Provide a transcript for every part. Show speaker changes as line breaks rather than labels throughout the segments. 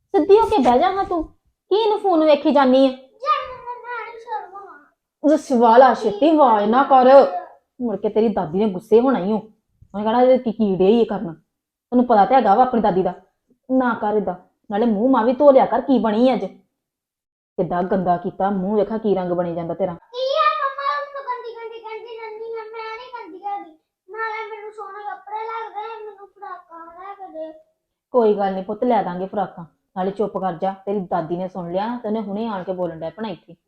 ਸਿੱਧੀ ਹੋ ਕੇ ਬਹਿ ਜਾ ਹਾਂ ਤੂੰ ਕੀ ਇਹਨੂੰ ਫੋਨ ਵੇਖੀ ਜਾਨੀ ਆ ਸਵਾਲ ਛੇਤੀ ਆਵਾਜ਼ ਨਾ ਕਰ ਮੁੜ ਕੇ ਤੇਰੀ ਦਾਦੀ ਨੇ ਗੁੱਸੇ ਹੋਣਾ ਹੀ ਉਹਨੇ ਕਹਣਾ ਇਹ ਕੀੜੇ ਹੀ ਕਰਨਾ ਤੈਨੂੰ ਪਤਾ ਤੇ ਹੈਗਾ ਵਾ ਆਪਣੀ ਦਾਦੀ ਦਾ ਨਾ ਕਰ ਏਦਾਂ ਨਾਲੇ ਮੂੰਹ ਮਾਂ ਵੀ ਧੋ ਲਿਆ ਕਰ ਕੀ ਬਣੀ ਅੱਜ ਕਿੱਦਾਂ ਗੰਦਾ ਕੀਤਾ ਮੂੰਹ ਵੇਖਾ ਕੀ ਰੰਗ ਬਣੀ ਜਾਂਦਾ ਤੇਰਾ ਕੋਈ ਗੱਲ ਨਹੀਂ ਪੁੱਤ ਲੈ ਦਾਂਗੇ ਫਰਾਕਾਂ ਨਾਲੇ ਚੁੱਪ ਕਰ ਜਾ ਤੇਰੀ ਦਾਦੀ ਨੇ ਸੁਣ ਲਿਆ ਤੇ ਉਹਨੇ ਹੁਣੇ ਆਣ ਕੇ ਬੋਲਣ ਡਿਆ ਭਣਾ ਇੱਥੇ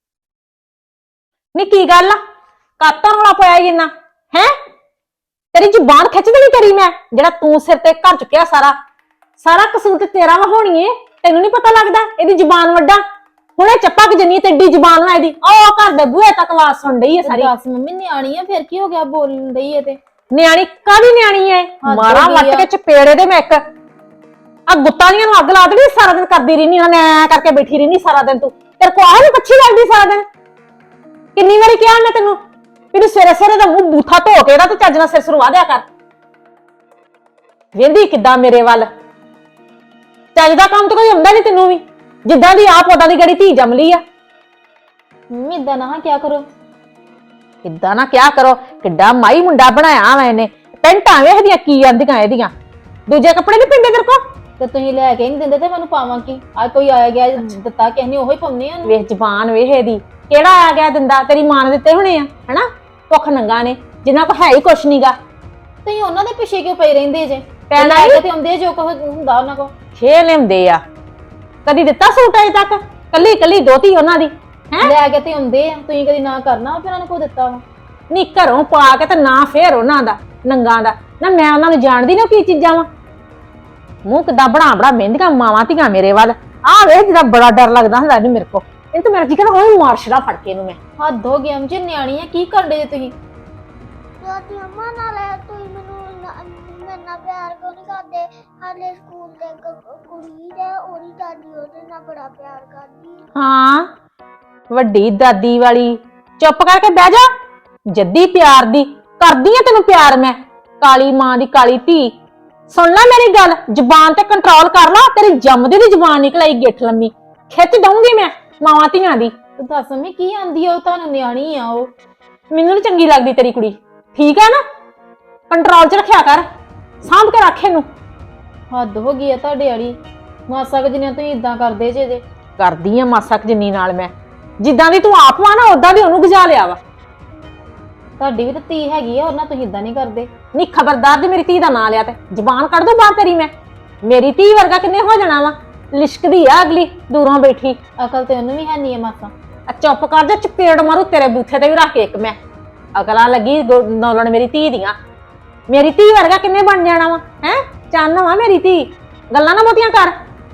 ਨੀ ਕੀ ਗੱਲ ਆ ਕਾਤਾ ਰੌਲਾ ਪਾਇਆ ਜਿੰਨਾ ਹੈ ਤੇਰੀ ਜ਼ੁਬਾਨ ਖਿੱਚ ਦੇਣੀ ਤੇਰੀ ਮੈਂ ਜਿਹੜਾ ਤੂੰ ਸਿਰ ਤੇ ਘਰ ਚੁੱਕਿਆ ਸਾਰਾ ਕਸੂਰ ਤੇ ਤੇਰਾ ਵਾ ਹੋਣੀ ਏ ਤੈਨੂੰ ਨਹੀਂ ਪਤਾ ਲੱਗਦਾ ਇਹਦੀ ਜ਼ੁਬਾਨ ਵੱਡਾ ਹੁਣੇ ਚੱਪਾ ਕਿ ਜੰਨੀ ਤੇ ਏਡੀ ਜ਼ੁਬਾਨ ਵਾ ਇਹਦੀ ਉਹ ਘਰ ਦੇ ਬੂਹੇ ਤੱਕ ਆਵਾਜ਼ ਸੁਣ ਰਹੀ ਏ ਸਾਰੀ
ਦੱਸ ਮੰਮੀ ਨਿਆਣੀ ਆ ਫਿਰ ਕੀ ਹੋ ਗਿਆ ਬੋਲਣ ਡਈ ਏ ਤੇ
ਨਿਆਣੀ ਕਾਹਦੀ ਨਿਆਣੀ ਏ ਮਾਰਾ ਵੱਟ ਕੇ ਚਪੇੜੇ ਦੇ ਮੈਂ ਇੱਕ ਆ ਗੁੱਤਾਂ ਦੀਆਂ ਨੂੰ ਅੱਗ ਲਾ ਦੇਣੀ ਸਾਰਾ ਦਿਨ ਕਰਦੀ ਰਹਿਨੀ ਉਹਨੇ ਐ ਕਰਕੇ ਬੈਠੀ ਰਹਿਨੀ ਸਾਰਾ ਦਿਨ ਤੂੰ ਤੇਰੇ ਕੋ ਆਹ ਨੀ ਪੱਛੀ ਲੱਗਦੀ ਸਾਰਾ ਦਿਨ ਕਿੰਨੀ ਵਾਰੀ ਕਿਹਾ ਮੈਂ ਤੈਨੂੰ ਵੀ ਸਵੇਰੇ ਸਵੇਰੇ ਦਾ ਮੂੰਹ ਬੂਥਾ ਧੋ ਕੇ ਇਹਦਾ ਤੇ ਚੱਜ ਨਾਲ ਸਿਰ ਸਰਵਾ ਦਿਆ ਕਰ ਵੇਂਦੀ ਕਿੱਦਾਂ ਮੇਰੇ ਵੱਲ ਚੱਜ ਦਾ ਕੰਮ ਤਾਂ ਕੋਈ ਹੁੰਦਾ ਨਹੀਂ ਤੈਨੂੰ ਵੀ ਜਿੱਦਾਂ ਦੀ ਆਪ ਉਦਾਂ ਦੀ ਗੜੀ ਧੀ ਜੰਮ ਲਈ ਆ
ਮੰਮੀ ਏਦਾਂ ਨਾ ਕਿਆ ਕਰੋ
ਕਿੱਦਾਂ ਨਾ ਕਿਆ ਕਰੋ ਕਿੱਡਾ ਮਾਈ ਮੁੰਡਾ ਬਣਾਇਆ ਵਾ ਇਹਨੇ ਪੈਂਟਾਂ ਵੇਖਦੀਆਂ ਕੀ ਆਂਦੀਆਂ ਇਹਦੀਆਂ ਦੂਜੇ ਕੱਪੜੇ ਨਹੀਂ ਪਿੰਦੇ ਤੇਰੇ ਕੋ
ਤੇ ਤੁਸੀਂ ਲੈ ਕੇ ਨਹੀਂ ਦਿੰਦੇ ਤੇ ਮੈਨੂੰ ਪਾਵਾਂ ਕੀ ਆ ਕੋਈ ਆਇਆ ਗਿਆ ਦਿੱਤਾ ਕਿਸੇ ਨੇ ਉਹੀ ਪਾਉਣੇ ਆ
ਵੇਖ ਜ਼ਬਾਨ ਵੇਖ ਇਹਦੀ ਕਿਹੜਾ ਆ ਗਿਆ ਦਿੰਦਾ ਤੇਰੀ ਮਾਂ ਨੇ ਦਿੱਤੇ ਹੋਣੇ ਆ ਹਨਾ ਭੁੱਖ ਨੰਗਾ ਨੇ ਜਿੰਨਾ ਕੋ ਹੈ ਹੀ ਕੁਛ ਨਹੀਂਗਾ
ਤੁਸੀਂ ਉਹਨਾਂ ਦੇ ਪਿੱਛੇ ਕਿਉਂ ਪਏ ਰਹਿੰਦੇ ਜੇ
ਪੈਣਾ
ਤੇ ਆਉਂਦੇ ਜੋ ਕੁਝ ਹੁੰਦਾ ਉਹਨਾਂ ਕੋ
ਛੇ ਲਿਆਉਂਦੇ ਆ ਕਦੀ ਦਿੱਤਾ ਸੂਟ ਅਜੇ ਤੱਕ ਕੱਲੀ ਕੱਲੀ ਦੋਤੀ ਉਹਨਾਂ ਦੀ ਹੈ
ਲੈ ਕੇ ਤੇ ਆਉਂਦੇ ਆ ਤੁਸੀਂ ਕਦੀ ਨਾ ਕਰਨਾ ਫਿਰ ਉਹਨਾਂ ਨੂੰ ਕੋ ਦਿੱਤਾ ਵਾ
ਨੀ ਘਰੋਂ ਪਾ ਕੇ ਤੇ ਨਾ ਫੇਰ ਉਹਨਾਂ ਦਾ ਨੰਗਾ ਦਾ ਨਾ ਮੈਂ ਉਹਨਾਂ ਨੂੰ ਜਾਣਦੀ ਨਾ ਕੀ ਚੀਜ਼ਾਂ ਵਾ ਮੂੰਹ ਕਿੱਦਾਂ ਬਣਾ ਮਹਿੰਦੀਆਂ ਮਾਵਾਂ ਧੀਆਂ ਮੇਰੇ ਵੱਲ ਆਹ ਵੇਖ ਜਿਹਦਾ ਬੜਾ ਡਰ ਲੱਗਦਾ ਹੁੰਦਾ ਇਹਨੂੰ ਮੇਰੇ ਕੋ ਇਹ ਤਾਂ ਮੇਰਾ ਜੀ ਕਹਿੰਦਾ ਉਹ ਮਾਰਸ਼ਲਾ ਫੜ ਕੇ ਇਹਨੂੰ ਮੈਂ
ਹੱਦ ਹੋ ਗਿਆ ਮੁਝੇ ਨਿਆਣੀ ਆ ਕੀ ਕਰਦੇ ਜੇ ਤੁਸੀਂ
ਦਾਦੀ ਅੰਮਾ ਨਾਲ ਤੁਸੀਂ ਮੈਨੂੰ ਮੇਰੇ ਨਾਲ ਪਿਆਰ ਕਿਉਂ ਨਹੀਂ ਕਰਦੇ ਹਾਲੇ ਸਕੂਲ ਦੇ ਕੁੜੀ ਦੇ ਉਹਦੀ ਦਾਦੀ ਉਹਦੇ ਨਾਲ ਬੜਾ ਪਿਆਰ ਕਰਦੀ
ਹਾਂ ਵੱਡੀ ਦਾਦੀ ਵਾਲੀ ਚੁੱਪ ਕਰਕੇ ਬਹਿ ਜਾ ਜੱਦੀ ਪਿਆਰ ਦੀ ਕਰਦੀ ਆ ਤੈਨੂੰ ਪਿਆਰ ਮੈਂ ਕਾਲੀ ਮਾਂ ਦੀ ਕਾਲੀ ਧੀ ਸੁਣ ਲੈ ਮੇਰੀ ਗੱਲ ਜ਼ੁਬਾਨ ਤੇ ਕੰਟਰੋਲ ਕਰ ਲਾ ਤੇਰੀ ਜੰਮਦੀ ਦੀ ਜ਼ੁਬਾਨ ਨਿਕਲ ਆਈ ਗਿੱਠ ਲੰਮੀ ਖਿੱਚ ਦਊਂਗੀ ਮੈਂ ਮਾਵਾਂ ਧੀਆਂ ਦੀ
ਤੇ ਦੱਸ ਮੰਮੀ ਕੀ ਆਂਦੀ ਆ ਉਹ ਤੁਹਾਨੂੰ ਨਿਆਣੀ ਆ ਉਹ
ਮੈਨੂੰ ਨੀ ਚੰਗੀ ਲੱਗਦੀ ਤੇਰੀ ਕੁੜੀ ਠੀਕ ਹੈ ਨਾ ਕੰਟਰੋਲ 'ਚ ਰੱਖਿਆ ਕਰ ਸਾਂਭ ਕੇ ਰੱਖ ਇਹਨੂੰ
ਹੱਦ ਹੋ ਗਈ ਆ ਤੁਹਾਡੇ ਵਾਲੀ ਮਾਸਾ ਕੁ ਜਿੰਨੇ ਤੁਸੀਂ ਇਦਾਂ ਕਰਦੇ ਜੇ
ਕਰਦੀ ਆ ਮਾਸਾ ਕੁ ਜਿੰਨੀ ਨਾਲ ਮੈਂ ਜਿੱਦਾਂ ਦੀ ਤੂੰ ਆਪ ਵਾ ਨਾ ਉਦਾਂ ਦੀ ਉਹਨੂੰ ਗਜਾ ਲਿਆ ਵਾ
ਤੁਹਾਡੀ ਵੀ ਤਾਂ ਧੀ ਹੈਗੀ ਆ ਉਹਨਾਂ ਤੁਸੀਂ ਇਦਾਂ ਨਹੀਂ ਕਰਦੇ
ਨੀ ਖਬਰਦਾਰ ਜੇ ਮੇਰੀ ਧੀ ਦਾ ਨਾਂ ਲਿਆ ਤੇ ਜ਼ਬਾਨ ਕੱਢ ਦੋ ਬਾਹਰ ਤੇਰੀ ਮੈਂ ਮੇਰੀ ਧੀ ਵਰਗਾ ਕਿੰਨੇ ਹੋ ਜਾਣਾ ਵਾ ਲਿਸ਼ਕਦੀ ਆ ਅਗਲੀ ਦੂਰੋਂ ਬੈਠੀ
ਅਕਲ ਤੇ ਉਹਨੂੰ ਵੀ ਹੈ ਨਹੀਂ ਆ ਮਾਸਾ
ਚੁੱਪ ਕਰ ਜਾ ਚਪੇੜ ਮਾਰੂ ਤੇਰੇ ਬੂਥੇ ਤੇ ਵੀ ਰੱਖ ਕੇ ਇੱਕ ਮੈਂ ਅਕਲਾਂ ਲੱਗੀ ਨੌਲਣ ਮੇਰੀ ਧੀ ਦੀਆਂ ਮੇਰੀ ਧੀ ਵਰਗਾ ਕਿੰਨੇ ਬਣ ਜਾਣਾ ਵਾ ਹੈ ਚੰਨ ਵਾ ਮੇਰੀ ਧੀ ਗੱਲਾਂ ਨਾ ਬਹੁਤੀਆਂ ਕਰ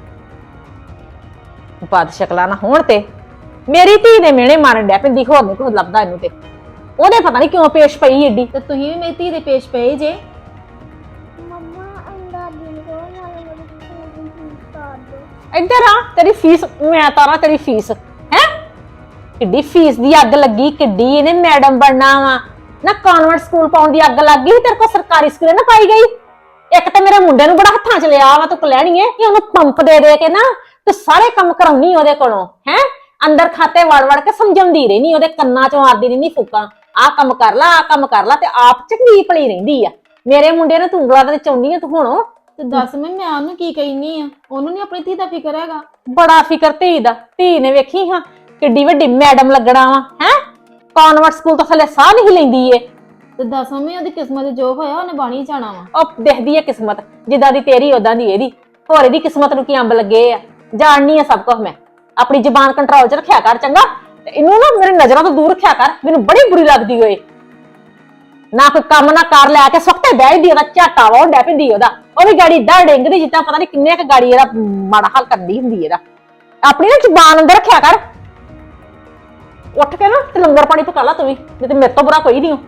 ਬਾਦ ਸ਼ਕਲਾਂ ਨਾ ਹੋਣ ਤੇ ਮੇਰੀ ਧੀ ਦੇ ਮਿਹਣੇ ਮਾਰਨ ਡਿਆ ਪਿੰਦੀ ਹੋਰ ਨਹੀਂ ਕੁਝ ਲੱਭਦਾ ਇਹਨੂੰ ਤੇ ਉਹਦੇ ਪਤਾ ਨਹੀਂ ਕਿਉਂ ਪੇਸ਼ ਪਈ ਏਡੀ
ਤੇ ਤੁਸੀਂ ਵੀ ਮੇਰੀ ਧੀ ਦੇ ਪੇਸ਼ ਪਏ ਜੇ
ਮੰਮਾ ਦਾਦੀ ਨੂੰ ਕਹੋ ਨਾਲੇ ਮੇਰੀ ਸਕੂਲ ਦੀ ਫੀਸ ਤਾਰ ਦਿਓ
ਇੱਧਰ ਆ ਤੇਰੀ ਫੀਸ ਮੈਂ ਤਾਰਾ ਤੇਰੀ ਫੀਸ ਹੈ ਕਿੱਡੀ ਫੀਸ ਦੀ ਅੱਗ ਲੱਗੀ ਕਿੱਡੀ ਇਹਨੇ ਮੈਡਮ ਬਣਨਾ ਵਾ ਨਾ ਕਨਵੈਂਟ ਸਕੂਲ ਪਾਉਣ ਦੀ ਅੱਗ ਲੱਗ ਗਈ ਤੇਰੇ ਕੋਲ ਸਰਕਾਰੀ ਸਕੂਲੇ ਨਾ ਪਾਈ ਗਈ ਇੱਕ ਤਾਂ ਮੇਰੇ ਮੁੰਡੇ ਨੂੰ ਬੜਾ ਹੱਥਾਂ 'ਚ ਲਿਆ ਵਾ ਤੂੰ ਲੈਣੀ ਏ ਕਿ ਉਹਨੂੰ ਪੰਪ ਦੇ ਕੇ ਨਾ ਤੇ ਸਾਰੇ ਕੰਮ ਕਰਾਉਣੀ ਉਹਦੇ ਕੋਲੋਂ ਹੈ ਅੰਦਰ ਖਾਤੇ ਵੜ ਕੇ ਸਮਝਾਉਂਦੀ ਰਹਿਣੀ ਉਹਦੇ ਕੰਨਾਂ 'ਚ ਮਾਰਦੀ ਰਹਿਣੀ ਫੂਕਾਂ ਆਹ ਕੰਮ ਕਰ ਲਾ ਆਹ ਕੰਮ ਕਰ ਲਾ ਤੇ ਆਪ ਚੰਗੀ ਭਲੀ ਰਹਿੰਦੀ ਆ ਮੇਰੇ ਮੁੰਡੇ ਨੂੰ ਤੂੰ ਉਂਗਲਾਂ ਤੇ ਚਾਹੁੰਦੀ ਆ ਤੂੰ ਹੁਣ
ਤੇ ਦੱਸ ਮੈਂ ਉਹਨੂੰ ਕੀ ਕਹਿਨੀ ਆ ਉਹਨੂੰ ਨਹੀਂ ਆਪਣੀ ਧੀ ਦਾ ਫਿਕਰ ਹੈਗਾ
ਬੜਾ ਫਿਕਰ ਧੀ ਦਾ ਧੀ ਨੇ ਵੇਖੀ ਹਾਂ ਕਿੱਡੀ ਵੱਡੀ ਮੈਡਮ ਲੱਗਣਾ ਵਾ ਹੈ ਕਨਵੈਂਟ ਸਕੂਲ ਤੋਂ ਥੱਲੇ ਸਾਹ ਨਹੀਂ ਲੈਂਦੀ ਏ
ਤੇ ਦੱਸ ਮੰਮੀ ਉਹਦੀ ਕਿਸਮਤ ਜੋ ਹੋਇਆ ਉਹਨੇ ਬਾਣੀ ਜਾਣਾ ਵਾ
ਉਹ ਦੇਖਦੀ ਏ ਕਿਸਮਤ ਜਿੱਦਾਂ ਦੀ ਤੇਰੀ ਉਦਾਂ ਦੀ ਇਹਦੀ ਹੋਰ ਇਹਦੀ ਕਿਸਮਤ ਨੂੰ ਕੀ ਅੰਬ ਲੱਗੇ ਆ ਜਾਣਨੀ ਆ ਸਭ ਕੁਝ ਮੈਂ ਆਪਣੀ ਜ਼ੁਬਾਨ ਕੰਟਰੋਲ 'ਚ ਰੱਖਿਆ ਕਰ ਚੰਗਾ ਤੇ ਇਹਨੂੰ ਨਾ ਮੇਰੀ ਨਜ਼ਰਾਂ ਤੋਂ ਦੂਰ ਰੱਖਿਆ ਕਰ ਮੈਨੂੰ ਬੜੀ ਬੁਰੀ ਲੱਗਦੀ ਓਏ ਨਾ ਕੋਈ ਕੰਮ ਨਾ ਕਰ ਲੈ ਕੇ ਸੁੱਤੇ ਬਹਿਦੀ ਉਹਦਾ ਝਾਟਾ ਵਾਉਣ ਡੈ ਪੈਂਦੀ ਉਹਦਾ ਉਹ ਵੀ ਗਾੜੀ ਏਦਾਂ ਡਿੰਗਦੀ ਜਿੱਦਾਂ ਪਤਾ ਨਹੀਂ ਕਿੰਨੇ ਕੁ ਗਾੜੀ ਇਹਦਾ ਮਾੜਾ ਹਾਲ ਕਰਦੀ ਹੁੰਦੀ ਇਹਦਾ ਆਪਣੀ ਨਾ ਜ਼ੁਬਾਨ ਅੰਦਰ ਰੱਖਿਆ ਕਰ ਉੱਠ ਕੇ ਨਾ ਤੇ ਲੰਗਰ ਪਾਣੀ ਪਕਾ ਲਾ ਤੂੰ ਵੀ ਨਹੀਂ ਤੇ ਮੇਰੇ ਤੋਂ ਬੁਰਾ ਕੋਈ ਨਹੀਂ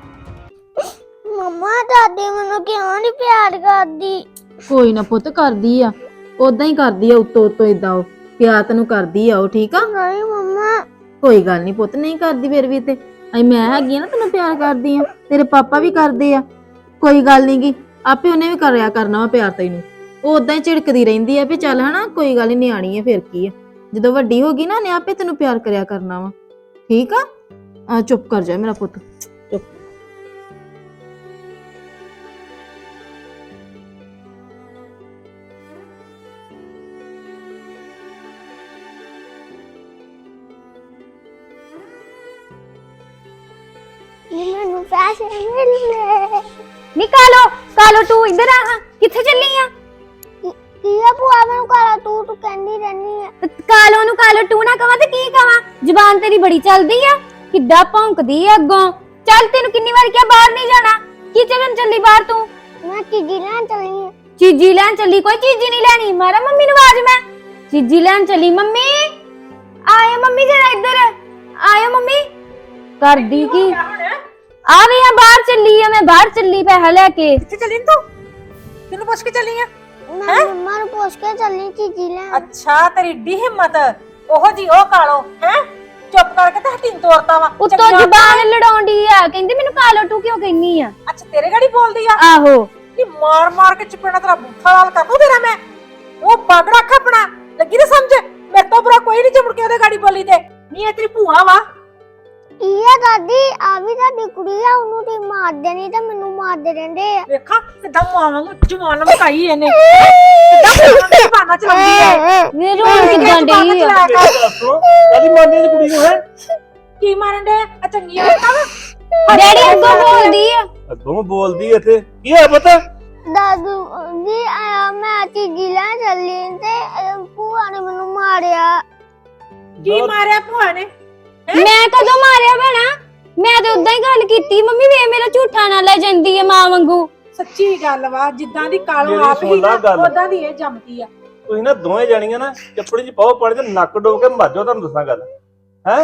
ਮੰਮਾ ਦਾਦੀ ਮੈਨੂੰ ਕਿਉਂ ਨਹੀਂ ਪਿਆਰ ਕਰਦੀ
ਕੋਈ ਨਾ ਪੁੱਤ ਕਰਦੀ ਆ ਉਦਾਂ ਹੀ ਕਰਦੀ ਆ ਉੱਤੋਂ ਇਦਾਂ ਉਹ ਪਿਆਰ ਤੈਨੂੰ ਕਰਦੀ ਆ ਉਹ ਠੀਕ ਆ
ਨਹੀਂ ਮੰਮਾ
ਕੋਈ ਗੱਲ ਨਹੀਂ ਪੁੱਤ ਨਹੀਂ ਕਰਦੀ ਫਿਰ ਵੀ ਤੇ ਮੈਂ ਹੈਗੀ ਆ ਨਾ ਤੈਨੂੰ ਪਿਆਰ ਕਰਦੀ ਆ ਤੇਰੇ ਪਾਪਾ ਵੀ ਕਰਦੇ ਆ ਕੋਈ ਗੱਲ ਨੀ ਗੀ ਆਪੇ ਉਹਨੇ ਵੀ ਕਰਿਆ ਕਰਨਾ ਵਾ ਪਿਆਰ ਤੈਨੂੰ ਉਹ ਉਦਾਂ ਹੀ ਝਿੜਕਦੀ ਰਹਿੰਦੀ ਆ ਵੀ ਚੱਲ ਹਨਾ ਕੋਈ ਗੱਲ ਨੀ, ਨਿਆਣੀ ਆ ਫਿਰ ਕੀ ਆ। ਜਦੋਂ ਵੱਡੀ ਹੋ ਗਈ ਨਾ ਉਹਨੇ ਆਪੇ ਤੈਨੂੰ ਪਿਆਰ ਕਰਿਆ ਕਰਨਾ ਵਾ। ਠੀਕ ਆ ਚੁੱਪ ਕਰ ਜਾ ਮੇਰਾ ਪੁੱਤ, ਚੁੱਪ।
ਮੈਨੂੰ ਪੈਸੇ ਮਿਲਨੇ।
ਨਿਕਾਲੋ ਤੂੰ ਇੱਧਰ ਆ ਹਾਂ, ਕਿੱਥੇ ਚੱਲੀ ਆ?
ਕੀ ਆ ਭੂਆ, ਮੈਨੂੰ ਕਾਲਾ ਤੂੰ ਕਹਿੰਦੀ ਰਹਿਨੀ ਆ।
ਕਾਲੋ ਟੂ ਨਾ ਕਵਾਂ ਤੇ ਕੀ ਕਵਾਂ? ਜ਼ੁਬਾਨ ਤੇਰੀ ਬੜੀ ਚੱਲਦੀ ਆ, ਕਿੱਦਾਂ ਭੌਂਕਦੀ ਆ ਅੱਗੋਂ। ਚੱਲ ਤੈਨੂੰ ਕਿੰਨੀ ਵਾਰ ਕਿਹਾ ਬਾਹਰ ਨਹੀਂ ਜਾਣਾ, ਕੀ ਚੱਲਣ ਚੱਲੀ ਬਾਹਰ ਤੂੰ?
ਮੈਂ ਚੀਜ਼ੀ ਲੈਣ ਚੱਲੀ ਆ।
ਚੀਜ਼ੀ ਲੈਣ ਚੱਲੀ? ਕੋਈ ਚੀਜ਼ੀ ਨਹੀਂ ਲੈਣੀ, ਮਾਰਾ ਮੰਮੀ ਨੂੰ ਆਵਾਜ਼ ਮੈਂ। ਚੀਜ਼ੀ ਲੈਣ ਚੱਲੀ? ਮੰਮੀ ਆਏ, ਮੰਮੀ ਜਰਾ ਇੱਧਰ ਆਇਓ। ਮੰਮੀ ਕਰਦੀ ਕੀ ਆ ਵੀ ਆ? ਬਾਹਰ ਚੱਲੀ ਆ, ਮੈਂ ਬਾਹਰ ਚੱਲੀ ਪੈਸਾ ਲੈ ਕੇ।
ਕਿੱਥੇ ਚੱਲੀ ਤੂੰ? ਕਿਹਨੂੰ ਪੁੱਛ ਕੇ ਚੱਲੀ ਆ?
ਮੈਂ ਮੰਮਾ ਨੂੰ ਪੁੱਛ ਕੇ ਚੱਲੀ ਚੀਜ਼ੀ ਲੈਣ।
ਅੱਛਾ, ਤੇਰੀ ਏਡੀ ਹਿੰਮਤ, ਉਹੋ ਜੀ ਉਹ ਕਾਲੋ ਹੈ। ਚੁੱਪ ਕਰਕੇ ਤੇ ਹੱਟੀ ਤੋਰਤਾ ਵਾ।
ਉੱਤੋਂ ਜ਼ੁਬਾਨ ਲੜਾਉਂਦੀ ਆ, ਕਹਿੰਦੀ ਮੈਨੂੰ ਕਾਲੋ ਟੂ ਕਿਉਂ ਕਹਿੰਨੀ ਆ?
ਅੱਛਾ, ਤੇਰੇ ਗਾੜੀ ਬੋਲਦੀ ਆ?
ਆਹੋ।
ਨੀ ਮਾਰ ਕੇ ਚਪੇੜਾ ਤੇਰਾ ਬੁੱਥਾ ਲਾਲ ਕਰ ਦੂੰ ਤੇਰਾ ਮੈਂ। ਉਹ ਪੱਗ ਰੱਖ ਆਪਣਾ, ਲੱਗੀ ਨਾ ਸਮਝ। ਮੇਰੇ ਤੋਂ ਬੁਰਾ ਕੋਈ ਨਹੀਂ ਜੇ ਮੁੜ ਕੇ ਉਹਦੇ ਗਾੜੀ ਬੋਲੀ ਤੇ। ਨਹੀਂ ਇਹ ਤੇਰੀ ਭੂਆ ਵਾ।
ਕੀ ਆ ਦਾਦੀ, ਆ ਵੀ ਤੁਹਾਡੀ ਕੁੜੀ ਆ, ਉਹਨੂੰ ਤੇ ਮਾਰ ਦੇਣੀ ਤੇ ਮੈਨੂੰ ਮਾਰਦੇ ਰਹਿੰਦੇ ਆ।
ਵੇਖਾਂ ਕਿੱਦਾਂ ਮਾਵਾਂ ਨੂੰ ਜਵਾਨ ਲਮਕਾਈ ਇਹਨੇ, ਕਿੱਦਾਂ ਜ਼ਬਾਨਾਂ ਚਲਾਉਂਦੀ ਹੈ।
ਮੇਰੇ ਰੋਣ ਕਿੱਦਾਂ ਡਈ ਆ?
ਕਾਦੀ ਮਾਰਨੀ ਦੀ ਕੁੜੀ ਨੂੰ ਹੈ?
ਕੀ ਮਾਰਨ ਦੇ ਆ? ਚੰਗੀਆਂ ਵਾ
ਡੈਡੀ ਅੱਗੋਂ ਬੋਲਦੀ ਆ।
ਅੱਗੋਂ ਬੋਲਦੀ ਇੱਥੇ ਕੀ ਹੈ ਪਤਾ?
ਦਾਦੂ ਜੀ ਆਇਆ, ਮੈਂ ਚੀਜ਼ੀ ਲੈਣ ਚੱਲੀ ਤੇ ਭੂਆ ਨੇ ਮੈਨੂੰ ਮਾਰਿਆ।
ਕੀ ਮਾਰਿਆ ਭੂਆ ਨੇ?
ਮੈਂ ਕਦੋਂ ਮਾਰਿਆ ਭੈਣਾ? ਮੈਂ ਤੇ ਉਦਾਂ ਹੀ ਗੱਲ ਕੀਤੀ। ਮੰਮੀ ਵੇ ਮੇਰਾ ਝੂਠਾ ਨਾ ਲੈ ਜਾਂਦੀ ਆ ਮਾਂ ਵਾਂਗੂ।
ਸੱਚੀ ਗੱਲ ਵਾ, ਜਿੱਦਾਂ ਦੀ ਕਾਲੋ
ਮੇਰੀ
ਆਪ ਹੀ
ਸੁਣ ਲਾ
ਨਾ
ਗੱਲ।
ਉਦਾਂ ਦੀ ਇਹ ਜੰਮਦੀ ਆ।
ਤੁਸੀਂ ਨਾ ਦੋਵੇਂ ਜਾਣੀਆਂ ਨਾ ਚੱਪੜੀ ਚ ਪਾਓ ਪਾਣੀ ਤੇ ਨੱਕ ਡੋਬ ਕੇ ਮਰ ਜਾਓ। ਤੁਹਾਨੂੰ ਦੱਸਾਂ ਗੱਲ ਹੈ।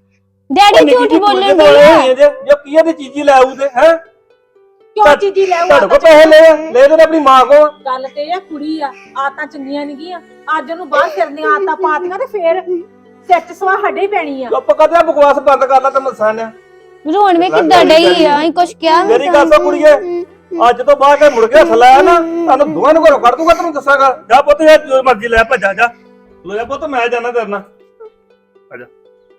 ਡੈਡੀ ਝੂਠ ਬੋਲਣ ਦੀ ਆ।
ਜੋ ਕੀ ਇਹਦੀ ਚੀਜ਼ੀ ਲੈ ਆਊ ਤੇ ਹੈ।
ਕਿਉਂ ਚੀਜ਼ੀ ਲੈ
ਤੁਹਾਡੇ ਕੋਲ ਪੈਸੇ ਲੈ ਦੇ ਆਪਣੀ ਮਾਂ ਕੋਲ।
ਗੱਲ ਤੇ ਇਹ ਕੁੜੀ ਆ, ਆਤਾਂ ਚੰਗੀਆਂ ਨਹੀਂ ਗੀਆਂ। ਅੱਜ ਉਹਨੂੰ ਬਾਹਰ ਫਿਰਨੀਆਂ ਆਤਾਂ ਪਾਤੀਆਂ ਤੇ ਫੇਰ ਸੱਚ ਸਵਾ ਸਾਡੇ ਹੀ ਪੈਣੀ ਆ।
ਚੁੱਪ ਕਰ ਜਾ, ਬਕਵਾਸ ਬੰਦ ਕਰ ਲੈ ਤੇ ਮਸਾਂ ਨੇ।
ਰੋਣ ਵੇ ਕਿੱਦਾਂ ਡਈ ਆ? ਅਸੀਂ ਕੁਛ ਕਿਹਾ
ਮੇਰੀ ਗੱਲ ਸੁਣ ਕੁੜੀਏ, ਅੱਜ ਤੋਂ ਬਾਅਦ ਕੇ ਮੁੜ ਕੇ ਹੱਥ ਲਾਇਆ ਨਾ, ਤੁਹਾਨੂੰ ਦੋਵਾਂ ਨੂੰ ਘਰੋਂ ਕੱਢ ਦੂੰਗਾ। ਤੈਨੂੰ ਦੱਸਾਂਗਾ। ਜਾ ਪੁੱਤ, ਜੋ ਮਰਜ਼ੀ ਲੈ ਭੱਜਾ ਜਾ। ਲੋ ਜਾ ਪੁੱਤ, ਮੈਂ ਜਾਣਾ ਤੇਰੇ ਨਾਲ। ਆ ਜਾ।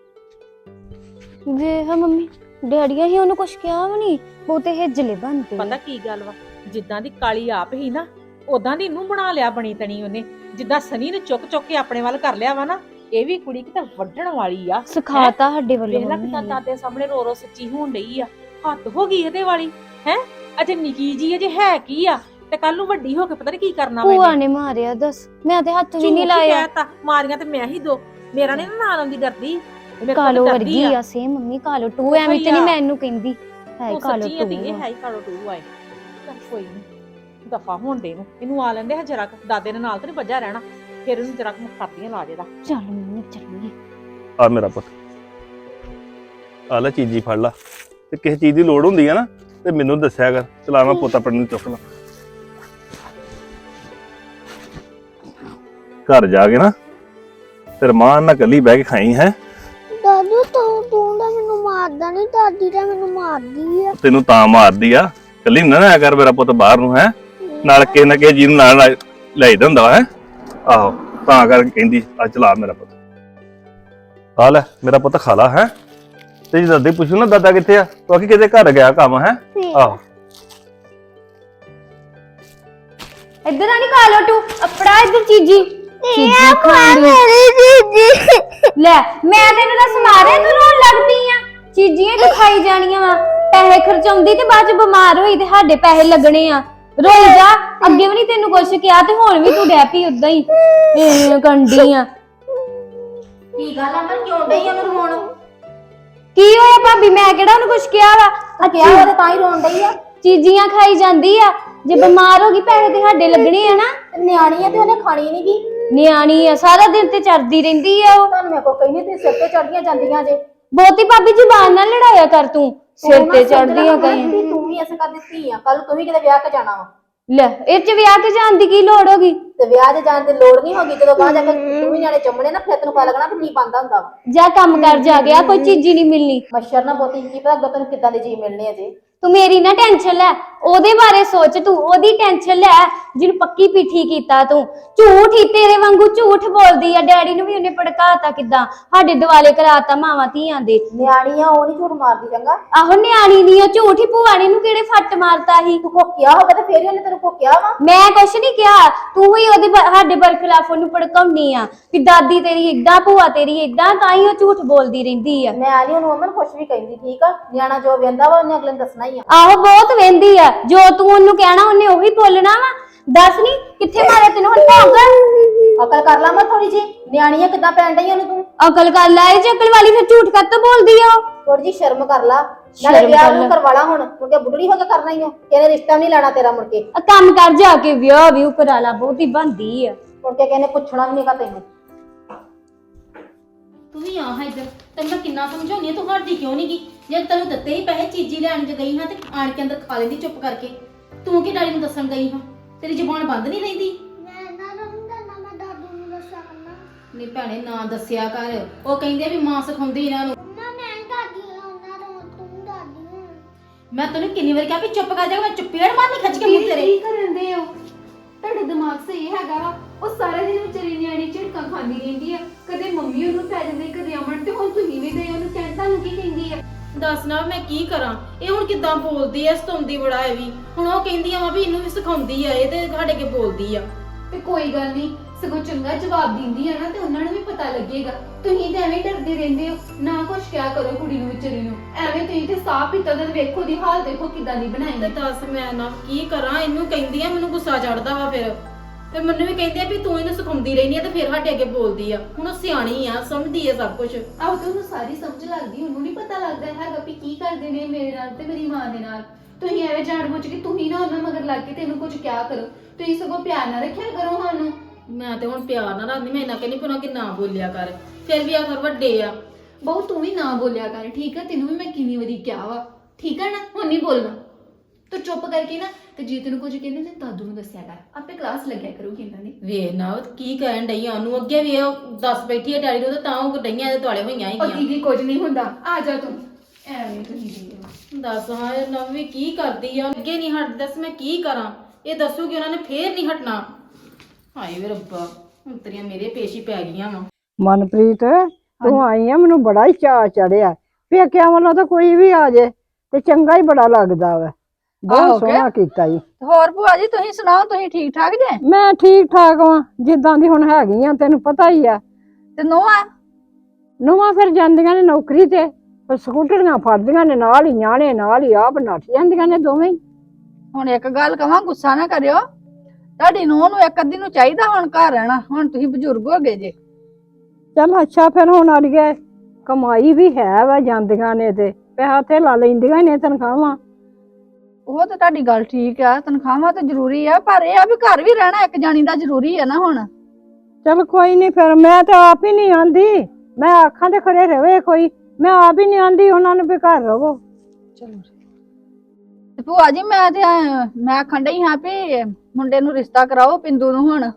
ਵੇਖ ਮੰਮੀ, ਡੈਡੀਆਂ ਹੀ ਉਹਨੂੰ ਕੁਛ ਕਿਹਾ ਵੀ ਨਹੀਂ, ਬਹੁਤੇ ਹਿੱਜਲੇ ਬਣਦੇ।
ਪਤਾ ਕੀ ਗੱਲ ਵਾ, ਜਿੱਦਾਂ ਦੀ ਕਾਲੀ ਆਪ ਹੀ ਨਾ ਉਦਾਂ ਦੀ ਇਹਨੂੰ ਬਣਾ ਲਿਆ ਬਣੀ ਤਣੀ ਉਹਨੇ। ਜਿੱਦਾਂ ਸਨੀ ਨੂੰ ਚੁੱਕ ਕੇ ਆਪਣੇ ਵੱਲ ਕਰ ਲਿਆ ਵਾ ਨਾ, ਇਹ ਵੀ ਕੁੜੀ ਕਿਤੇ ਵੱਢਣ ਵਾਲੀ ਆ।
ਸਿਖਾਤਾ ਸਾਡੇ ਵੱਲੋਂ।
ਵੇਖ ਲੈ ਕਿਦਾਂ ਦਾਦੇ ਸਾਹਮਣੇ ਰੋ ਸੱਚੀ ਹੋਣ ਡਈ ਆ। ਹੱਦ ਹੋ ਗਈ ਇਹਦੇ ਵਾਲੀ ਹੈ। ਅਜੇ ਨਿੱਕੀ ਜੀ ਅਜੇ ਹੈ ਕੀ ਆ, ਤੇ ਕੱਲ ਨੂੰ ਵੱਡੀ ਹੋ ਕੇ ਪਤਾ ਨੀ ਕੀ ਕਰਨਾ।
ਭੂਆ ਨੇ ਮਾਰਿਆ ਦੱਸ, ਮੈਂ ਤੇ ਹੱਥ ਵੀ ਨਹੀਂ ਲਾਇਆ।
ਕਹਿਤਾ ਮਾਰੀਆਂ ਤੇ ਮੈਂ ਹੀ ਦੋ, ਮੇਰਾ ਨੀ ਨਾ ਨਾਲ ਆਉਂਦੀ ਡਰਦੀ।
ਕਾਲੋ ਵਰਗੀ ਆ ਸੇਮ ਮੰਮੀ। ਕਾਲੋ ਟੂ ਐਵੇਂ ਤੇ ਨਹੀਂ ਮੈਨੂੰ ਕਹਿੰਦੀ ਹੈ। ਕਾਲੋ ਟੂ
ਇਹ ਹੈ ਕਾਲੋ ਟੂ ਆਏ। ਚੱਲ ਕੋਈ ਨਹੀਂ, ਦਫਾ ਹੋਣ ਦੇ ਨੂੰ। ਇਹਨੂੰ ਆ ਲੈਂਦੇ ਜਰਾ, ਦਾਦੇ ਨੇ ਨਾਲ ਤੇ ਨਹੀਂ ਵੱਜਾ ਰਹਿਣਾ। ਫਿਰ ਇਹਨੂੰ ਜਰਾ ਮੁਖਾਤੀਆਂ ਲਾ ਦੇਦਾ।
ਚੱਲ ਮੰਮੀ ਚੱਲੀਏ।
ਆ ਮੇਰਾ ਪੁੱਤ, ਆ ਲੈ ਚੀਜ਼ੀ ਫੜ ਲਾ, ਤੇ ਕਿਸੇ ਚੀਜ਼ ਦੀ ਲੋੜ ਹੁੰਦੀ ਆ ਨਾ ਤੇ ਮੈਨੂੰ ਦੱਸਿਆ ਕਰ। ਚਲਾ ਮੈਂ ਪੁੱਤ ਆਪਣੇ ਨੂੰ ਚੁੱਕ ਲਾ। ਘਰ ਜਾ ਕੇ ਨਾ ਤੇ ਮਾਂ ਨਾਲ ਕੱਲੀ ਬਹਿ ਕੇ ਖਾਈ ਹੈ।
ਦਾਦੂ ਤੂੰ ਤਾਂ ਮੈਨੂੰ ਮਾਰਦਾ ਨਹੀਂ, ਦਾਦੀ ਤਾਂ ਮੈਨੂੰ ਮਾਰਦੀ ਆ।
ਤੈਨੂੰ ਤਾਂ ਮਾਰਦੀ ਆ, ਕੱਲੀ ਨਾ ਨਾ ਕਰ ਮੇਰਾ ਪੁੱਤ ਬਾਹਰ ਨੂੰ ਹੈ। ਨਾਲ ਕਿਸੇ ਨਾ ਕਿਸੇ ਜੀ ਨੂੰ ਨਾਲ ਲੈ ਜਾਂਦਾ ਹੁੰਦਾ ਹੈ। ਆਹੋ, ਤਾਂ ਕਰਕੇ ਕਹਿੰਦੀ ਆ ਚਲਾ ਮੇਰਾ ਪੁੱਤ। ਆ ਲੈ ਮੇਰਾ ਪੁੱਤ ਖਾ ਲਾ ਹੈ। ਤੇ ਜੇ ਦਾਦੀ ਪੁੱਛੂ ਨਾ ਦਾਦਾ ਕਿੱਥੇ ਆ, ਤੂੰ ਆਖੀ ਕਿਤੇ ਘਰ ਗਿਆ ਕੰਮ ਹੈ। ਆਹੋ
ਇੱਧਰ ਆ ਨੀ ਕਾਲੋ ਟੂ, ਅਪੜਾ ਇੱਧਰ ਚੀਜੀ। ਚੀਜੀ ਖਾਂਦੀ
ਮੇਰੀ ਚੀਜ਼ੀ।
ਲੈ ਮੈਂ ਤੈਨੂੰ ਦੱਸ ਮਾਰਿਆ, ਤੂੰ ਰੋਣ ਲੱਗਦੀ ਆ। ਚੀਜ਼ੀਆਂ ਤੂੰ ਖਾਈ ਜਾਣੀਆਂ ਵਾ। ਪੈਸੇ ਖਰਚਾਉਂਦੀ ਤੇ ਬਾਅਦ ਚ ਬਿਮਾਰ ਹੋਈ ਤੇ ਸਾਡੇ ਪੈਸੇ ਲੱਗਣੇ ਆ। ਰੋਈ ਜਾ, ਅੱਗੇ ਵੀ ਨਹੀਂ ਤੈਨੂੰ ਕੁਛ ਕਿਹਾ ਤੇ ਹੁਣ ਵੀ ਤੂੰ ਡੈਪੀ ਉਦਾਂ ਹੀ ਕੰਡੀ ਆ।
ਕੀ ਗੱਲ ਆ, ਮੈਂ ਕਿਉਂ ਡਈ ਉਹਨੂੰ ਰੋਣ?
ਕੀ ਹੋਇਆ ਭਾਬੀ? ਮੈਂ ਕਿਹੜਾ ਉਹਨੂੰ ਕੁਛ ਕਿਹਾ ਵਾ?
ਕਿਹਾ ਹੋਇਆ ਤਾਂ ਹੀ ਰੋਣ ਡਈ ਆ।
ਚੀਜ਼ੀਆਂ ਖਾਈ ਜਾਂਦੀ ਆ। ਜੇ ਬਿਮਾਰ ਹੋ ਗਈ ਪੈਸੇ ਤੇ ਸਾਡੇ ਲੱਗਣੇ ਆ ਨਾ।
ਨਿਆਣੀ ਆ ਤੇ ਉਹਨੇ ਖਾਣੀ ਨੀ ਗੀ।
ਨਿਆਣੀ ਆ, ਸਾਰਾ ਦਿਨ ਤੇ ਚੜਦੀ ਰਹਿੰਦੀ ਆ ਉਹ।
ਤੁਹਾਨੂੰ ਮੈਂ ਕੋ ਕਹੀ ਨਹੀਂ, ਤੇ ਸਿਰ ਤੇ ਚੜੀਆਂ ਜਾਂਦੀਆਂ ਜੇ।
ਬਹੁਤੀ ਭਾਬੀ ਜ਼ੁਬਾਨ ਨਾਲ ਲੜਾਇਆ ਕਰ ਤੂੰ। ਸਿਰ ਤੇ ਚੜਦੀਆਂ ਕਈ।
ਤੂੰ ਵੀ ਐਸੇ ਕਰ ਦਿੱਤੀ ਆ, ਕੱਲ ਤੂੰ ਵੀ ਕਿਤੇ ਵਿਆਹ ਕੇ ਜਾਣਾ ਵਾ।
ਲੈ ਇਹ ਚ ਵਿਆਹ ਕੇ ਜਾਣ ਦੀ ਕੀ ਲੋੜ ਹੋਗੀ?
ਤੇ ਵਿਆਹ 'ਚ ਜਾਣ ਦੀ ਲੋੜ ਨਹੀਂ ਹੋਗੀ। ਜਦੋਂ ਬਾਹਰ ਜਾ ਕੇ ਤੂੰ ਵੀ ਜਾਣੇ ਚੰਮਣੇ ਨਾ, ਫਿਰ ਤੈਨੂੰ ਪਤਾ ਲੱਗਣਾ ਵੀ ਕੀ ਬੰਦਾ ਹੁੰਦਾ ਵਾ।
ਜਾ ਕੰਮ ਕਰ ਜਾ ਗਿਆ, ਕੋਈ ਚੀਜ਼ ਹੀ ਨਹੀਂ ਮਿਲਣੀ।
ਮੱਛਰ ਨਾ ਬਹੁਤੀ ਕੀ ਪਤਾ ਅੱਗੋਂ ਤੈਨੂੰ ਕਿੱਦਾਂ ਦੇ ਜੀ ਮਿਲਣੇ ਆ ਜੇ।
ਤੂੰ ਮੇਰੀ ਨਾ ਟੈਨਸ਼ਨ ਲੈ, ਉਹਦੇ ਬਾਰੇ ਸੋਚ, ਤੂੰ ਉਹਦੀ ਟੈਨਸ਼ਨ ਲੈ ਜਿਹਨੂੰ ਪੱਕੀ ਪਿੱਠੀ ਕੀਤਾ ਤੂੰ। ਝੂਠ ਹੀ ਤੇਰੇ ਵਾਂਗੂ ਝੂਠ ਬੋਲਦੀ ਆ। ਡੈਡੀ ਨੂੰ ਵੀ ਉਹਨੇ ਭੜਕਾਤਾ, ਕਿੱਦਾਂ ਸਾਡੇ ਦਿਵਾਲੇ ਕਰਾਤਾ ਮਾਵਾਂ ਧੀਆਂ ਦੇ।
ਨਿਆਣੀ ਆ, ਉਹ ਨਹੀਂ ਝੂਠ ਮਾਰਦੀ ਚੰਗਾ।
ਆਹੋ ਨਿਆਣੀ ਨਹੀਂ ਆ, ਝੂਠ ਹੀ ਭੂਆ ਨੇ ਨੂੰ ਕਿਹੜੇ ਫੱਟ ਮਾਰਤਾ ਸੀ।
ਤੂੰ ਕੋਕਿਆ ਹੋਵੇ ਤੇ ਫੇਰ ਹੀ ਉਹਨੇ ਤੈਨੂੰ ਕੋਕਿਆ ਵਾ।
ਮੈਂ ਕੁਛ ਨਹੀਂ ਕਿਹਾ, ਤੂੰ ਹੀ ਉਹਦੇ ਸਾਡੇ ਬਰਖਲਾਫ ਉਹਨੂੰ ਭੜਕਾਉਣੀ ਆ ਵੀ ਦਾਦੀ ਤੇਰੀ ਏਦਾਂ, ਭੂਆ ਤੇਰੀ ਏਦਾਂ, ਤਾਂ ਹੀ ਉਹ ਝੂਠ ਬੋਲਦੀ ਰਹਿੰਦੀ ਆ।
ਮੈਂ ਨਹੀਂ ਉਹਨੂੰ ਅਮਨ ਕੁਛ ਵੀ ਕਹਿੰਦੀ, ਠੀਕ ਆ। ਨਿਆਣਾ ਜੋ ਵੇਂਦਾ ਵਾ ਉਹਨੇ ਅਗਲੇ ਨੂੰ ਦੱਸਣਾ ਹੀ ਆ।
ਆਹੋ ਬਹੁਤ ਵਹਿੰਦੀ ਆ, ਜੋ ਤੂੰ ਉਹਨੂੰ ਕਹਿਣਾ ਉਹਨੇ ਉਹੀ ਬੋਲਣਾ ਵਾ। ਦੱਸ ਨੀ ਕਿੱਥੇ ਮਾਰਿਆ ਤੈਨੂੰ ਹੁਣ ਭੌਂਕ?
ਅਕਲ ਕਰ ਲਾ ਮੈਂ ਥੋੜੀ ਜੀ, ਨਿਆਣੀ ਆ ਕਿੱਦਾਂ ਪੈਣ ਡਈ ਉਹਨੂੰ ਤੂੰ।
ਅਕਲ ਕਰ ਲੈ, ਇਹ 'ਚ ਅਕਲ ਵਾਲੀ ਫਿਰ ਝੂਠ ਕੱਤ ਬੋਲਦੀ ਆ ਉਹ।
ਥੋੜੀ ਜੀ ਸ਼ਰਮ ਕਰ ਲਾ। ਨਾਲੇ
ਸ਼ਰਮ
ਵਿਆਹ
ਕਰ
ਨੂੰ
ਲਾ।
ਕਰਵਾ ਲਾ ਹੁਣ, ਮੁੜ ਕੇ ਬੁੱਢੜੀ ਹੋ ਕੇ ਕਰਨਾ ਹੀ ਆ। ਕਹਿੰਦੇ ਰਿਸ਼ਤਾ ਨਹੀਂ ਲੈਣਾ ਤੇਰਾ ਮੁੜ ਕੇ।
ਆ ਕੰਮ ਕਰ ਜਾ ਕੇ ਵਿਆਹ ਵੀ ਕਰਾ ਲਾ, ਬਹੁਤੀ ਬੰਦੀ ਆ।
ਮੁੜ ਕੇ ਕਹਿੰਦੇ ਪੁੱਛਣਾ ਵੀ ਨਹੀਂਗਾ ਤੈਨੂੰ।
ਤੂੰ ਵੀ ਆ ਹਾਂ ਇੱਧਰ, ਤੈਨੂੰ ਮੈਂ ਕਿੰਨਾ ਸਮਝਾਉਣੀ ਆ, ਤੂੰ ਹਟਦੀ ਕਿਉਂ ਨਹੀਂ ਗਈ? ਜੇ ਤੈਨੂੰ ਦਿੱਤੇ ਹੀ ਪੈਸੇ ਚੀਜ਼ੀ ਲੈਣ ਚ ਗਈ ਹਾਂ ਤੇ ਆਣ ਕੇ ਅੰਦਰ ਖਾ ਲੈਂਦੀ ਚੁੱਪ ਕਰਕੇ। ਤੂੰ ਕੀ ਡੈਡੀ ਨੂੰ ਦੱਸਣ ਗਈ ਹਾਂ? ਤੇਰੀ ਜ਼ੁਬਾਨ ਬੰਦ ਨਹੀਂ ਰਹਿੰਦੀ?
ਮੈਂ ਇਹਨਾਂ ਨੂੰ ਨਹੀਂ ਦੱਸਣਾ, ਮੈਂ ਦਾਦੂ ਨੂੰ ਦੱਸਿਆ ਕਰਨਾ।
ਨਹੀਂ ਭੈਣੇ ਨਾ ਦੱਸਿਆ ਕਰ, ਉਹ ਕਹਿੰਦੇ ਵੀ ਮਾਂ ਸਿਖਾਉਂਦੀ ਇਹਨਾਂ ਨੂੰ।
ਮੰਮਾ ਮੈਂ ਨੀ ਦਾਦੀ ਆ ਉਹਨਾਂ ਨੂੰ, ਤੂੰ ਦਾਦੀ ਆ।
ਮੈਂ ਤੈਨੂੰ ਕਿੰਨੀ ਵਾਰ ਕਿਹਾ ਵੀ ਚੁੱਪ ਕਰ ਜਾ, ਮੈਂ ਚੁੱਪੇੜ ਮਾਰਨੀ ਖਿੱਚ ਕੇ ਮੂੰਹ ਤੇਰੇ।
ਕੀ ਕਰਨ ਦੇ ਹੋ? ਤੁਹਾਡੇ ਦਿਮਾਗ ਸਹੀ ਹੈਗਾ ਵਾ? ਉਹ ਸਾਰਾ ਦਿਨ ਵਿਚਾਰੀ ਨਿਆਣੀ ਝਿੜਕਾਂ ਖਾਂਦੀ ਰਹਿੰਦੀ ਆ, ਕਦੇ ਮੰਮੀ ਉਹਨੂੰ ਪੈ ਜਾਂਦੀ, ਕਦੇ ਅਮਨ, ਤੇ ਹੁਣ ਤੁਸੀਂ ਵੀ ਗਏ ਉਹਨੂੰ ਕਹਿਣ, ਤੁਹਾਨੂੰ ਕੀ ਕਹਿੰਦੀ ਆ?
ਦੱਸ ਨਾ ਮੈਂ ਕੀ ਕਰਾਂ? ਇਹ ਹੁਣ ਕਿੱਦਾਂ ਬੋਲਦੀ ਐ, ਸਤਾਉਂਦੀ ਬੜਾ ਐ ਵੀ। ਹੁਣ ਉਹ ਕਹਿੰਦੀ ਆ ਵੀ ਇਹਨੂੰ ਵੀ ਸਿਖਾਉਂਦੀ ਆ, ਇਹ ਤੇ ਸਾਡੇ ਕੇ ਬੋਲਦੀ ਆ।
ਤੇ ਕੋਈ ਗੱਲ ਨਹੀਂ, ਸਗੋਂ ਚੰਗਾ ਜਵਾਬ ਦਿੰਦੀ ਆ ਨਾ ਤੇ ਉਹਨਾਂ ਨੂੰ ਵੀ ਪਤਾ ਲੱਗੇਗਾ। ਤੁਸੀਂ ਤਾਂ ਐਵੇਂ ਡਰਦੇ ਰਹਿੰਦੇ ਹੋ, ਨਾ ਕੁਛ ਕਿਹਾ ਕਰੋ ਕੁੜੀ ਨੂੰ, ਵਿਚਾਰੀ ਨੂੰ। ਐਵੇਂ ਤੁਸੀਂ ਤੇ ਸਾਹ ਪੀਤਾ ਤਾਂ ਵੇਖੋ ਦੀ ਹਾਲ ਦੇਖੋ ਕਿੱਦਾਂ ਦੀ ਬਣਾਈ।
ਤੇ ਦੱਸ ਮੈਂ ਨਾ ਕੀ ਕਰਾਂ? ਇਹਨੂੰ ਕਹਿੰਦੀ ਆ, ਮੈਨੂੰ ਗੁੱਸਾ ਚੜਦਾ ਵਾ ਫਿਰ। ਤੇ ਮੈਨੂੰ ਵੀ ਕਹਿੰਦੇ ਆ ਵੀ ਤੂੰ ਇਹਨੂੰ ਸਿਖਾਉਂਦੀ ਰਹਿਨੀ ਆ ਤੇ ਫਿਰ ਸਾਡੇ ਅੱਗੇ ਬੋਲਦੀ ਆ। ਹੁਣ ਉਹ ਸਿਆਣੀ ਆ, ਸਮਝਦੀ ਆ ਸਭ ਕੁਝ।
ਆਹੋ ਤੇ ਉਹਨੂੰ ਸਾਰੀ ਸਮਝ ਲੱਗਦੀ, ਉਹਨੂੰ ਨਹੀਂ ਪਤਾ ਲੱਗਦਾ ਹੈਗਾ ਵੀ ਕੀ ਕਰਦੇ ਨੇ ਮੇਰੇ ਨਾਲ ਤੇ ਮੇਰੀ ਮਾਂ ਦੇ ਨਾਲ। ਤੁਸੀਂ ਐਵੇਂ ਜਾਣ ਬੁੱਝ ਕੇ ਤੁਸੀਂ ਨਾ ਉਹਨਾਂ ਮਗਰ ਲੱਗ ਕੇ ਤੈਨੂੰ ਕੁਝ ਕਿਹਾ ਕਰੋ। ਤੁਸੀਂ ਸਗੋਂ ਪਿਆਰ ਨਾਲ ਰੱਖਿਆ ਕਰੋ ਸਾਨੂੰ।
ਮੈਂ ਤੇ ਹੁਣ ਪਿਆਰ ਨਾਲ ਰੱਖਦੀ, ਮੈਂ ਇਹਨਾਂ ਕਹਿੰਦੀ ਪੁਣਾ ਕਿ ਨਾ ਬੋਲਿਆ ਕਰ। ਫਿਰ ਵੀ ਆਖਰ ਵੱਡੇ ਆ।
ਬਹੁ ਤੂੰ ਵੀ ਨਾ ਬੋਲਿਆ ਕਰ, ਠੀਕ ਆ? ਤੈਨੂੰ ਵੀ ਮੈਂ ਕਿੰਨੀ ਵਾਰੀ ਕਿਹਾ ਵਾ, ਠੀਕ ਆ ਨਾ? ਹੁਣ ਨਹੀਂ ਬੋਲਣਾ। ਤੂੰ ਚੁੱਪ ਕਰਕੇ ਨਾ, ਤੇ ਜੇ ਤੈਨੂੰ ਕੁਝ ਕਹਿੰਦੇ ਤੇ ਦਾਦੂ ਨੂੰ ਦੱਸਿਆ ਕਰ, ਆਪੇ ਕਲਾਸ ਲੱਗਿਆ ਕਰੂਗੀ ਇਹਨਾਂ ਦੀ।
ਵੇ ਨਾ ਕੀ ਕਹਿਣ ਡਈ ਆ ਉਹਨੂੰ? ਅੱਗੇ ਵੀ ਉਹ ਦੱਸ ਬੈਠੀ ਆ ਡੈਡੀ ਨੂੰ ਤੇ ਤਾਂ ਉਹ ਡਈਆਂ ਇਹਦੇ ਦੁਆਲੇ ਹੋਈਆਂ
ਉਹ
ਹੈਗੀਆਂ।
ਦੀਦੀ ਕੁਝ ਨਹੀਂ ਹੁੰਦਾ, ਆ ਜਾ ਤੂੰ। ਐਵੇਂ ਤੁਸੀਂ
ਦੱਸ ਹਾਂ ਇਹ ਨਵ ਵੀ ਕੀ ਕਰਦੀ ਆ? ਅੱਗੇ ਨਹੀਂ ਹਟਦੀ, ਦੱਸ ਮੈਂ ਕੀ ਕਰਾਂ? ਇਹ ਦੱਸੂਗੀ ਉਹਨਾਂ ਨੇ ਫੇਰ ਨਹੀਂ ਹਟਣਾ। ਹਾਏ ਵੇ ਰੱਬਾ, ਹੁਣ ਤੇਰੀਆਂ ਮੇਰੇ ਪੇਸ਼ ਹੀ ਪੈ ਗਈਆਂ ਵਾ।
ਮਨਪ੍ਰੀਤ ਤੂੰ ਆਈ ਆ, ਮੈਨੂੰ ਬੜਾ ਹੀ ਚਾਅ ਚੜਿਆ। ਪੇਕਿਆਂ ਵੱਲੋਂ ਤਾਂ ਕੋਈ ਵੀ ਆ ਜੇ ਤੇ ਚੰਗਾ ਹੀ ਬੜਾ ਲੱਗਦਾ ਵਾ। ਬਹੁਤ ਸੋਹਣਾ ਕੀਤਾ ਜੀ।
ਹੋਰ ਭੂਆ ਜੀ ਤੁਸੀਂ ਸੁਣਾਓ, ਤੁਸੀਂ ਠੀਕ ਠਾਕ ਜੇ?
ਮੈਂ ਠੀਕ ਠਾਕ ਵਾਂ, ਜਿੱਦਾਂ ਦੀ ਹੁਣ ਹੈਗੀ ਆ, ਤੈਨੂੰ ਪਤਾ ਹੀ ਆ।
ਤੇ ਨੋਆ
ਨੂੰਹਾਂ ਫਿਰ ਜਾਂਦੀਆਂ ਨੇ ਨੌਕਰੀ ਤੇ, ਫਿਰ ਸਕੂਟਰੀਆਂ ਫੜਦੀਆਂ ਨੇ, ਨਾਲ ਹੀ ਨਿਆਣੇ ਨਾਲ ਹੀ ਆਪ ਨੱਠ ਜਾਂਦੀਆਂ ਨੇ ਦੋਵੇਂ ਹੀ।
ਹੁਣ ਇੱਕ ਗੱਲ ਕਹਾਂ, ਗੁੱਸਾ ਨਾ ਕਰਿਓ, ਤੁਹਾਡੀ ਨੂੰਹ ਨੂੰ ਇੱਕ ਅੱਧੀ ਨੂੰ ਚਾਹੀਦਾ ਹੁਣ ਘਰ ਰਹਿਣਾ। ਹੁਣ ਤੁਸੀਂ ਬਜ਼ੁਰਗ ਹੋ ਗਏ ਜੇ।
ਚੱਲ ਅੱਛਾ, ਫਿਰ ਹੁਣ ਅੜੀਏ ਕਮਾਈ ਵੀ ਹੈ ਵਾ, ਜਾਂਦੀਆਂ ਨੇ ਤੇ ਪੈਸਾ ਤੇ ਲਾ ਲੈਂਦੀਆਂ ਨੇ ਤਨਖਾਹਾਂ।
ਉਹ ਤਾਂ ਤੁਹਾਡੀ ਗੱਲ ਠੀਕ ਆ, ਤਨਖਾਹਾਂ ਤਾਂ ਜ਼ਰੂਰੀ ਆ, ਪਰ ਇਹ ਆ ਵੀ ਘਰ ਵੀ ਰਹਿਣਾ ਇੱਕ ਜਾਣੀ ਦਾ ਜ਼ਰੂਰੀ ਆ ਨਾ ਹੁਣ।
ਚੱਲ ਕੋਈ ਨਹੀਂ, ਫਿਰ ਮੈਂ ਤਾਂ ਆਪ ਹੀ ਨਹੀਂ ਆਂਦੀ, ਮੈਂ ਆਖਾਂ ਤੇ ਖੜੇ ਰਵੇ ਕੋਈ, ਮੈਂ ਆਪ ਹੀ ਨਹੀਂ ਆਂਦੀ ਉਹਨਾਂ ਨੂੰ ਵੀ ਘਰ ਰਵੋ।
ਚਲੋ ਤੇ ਭੂਆ ਜੀ ਮੈਂ ਆਖਣ ਡਈ ਹਾਂ ਵੀ ਮੁੰਡੇ ਨੂੰ ਰਿਸ਼ਤਾ ਕਰਾਓ ਪਿੰਦੂ ਨੂੰ ਹੁਣ।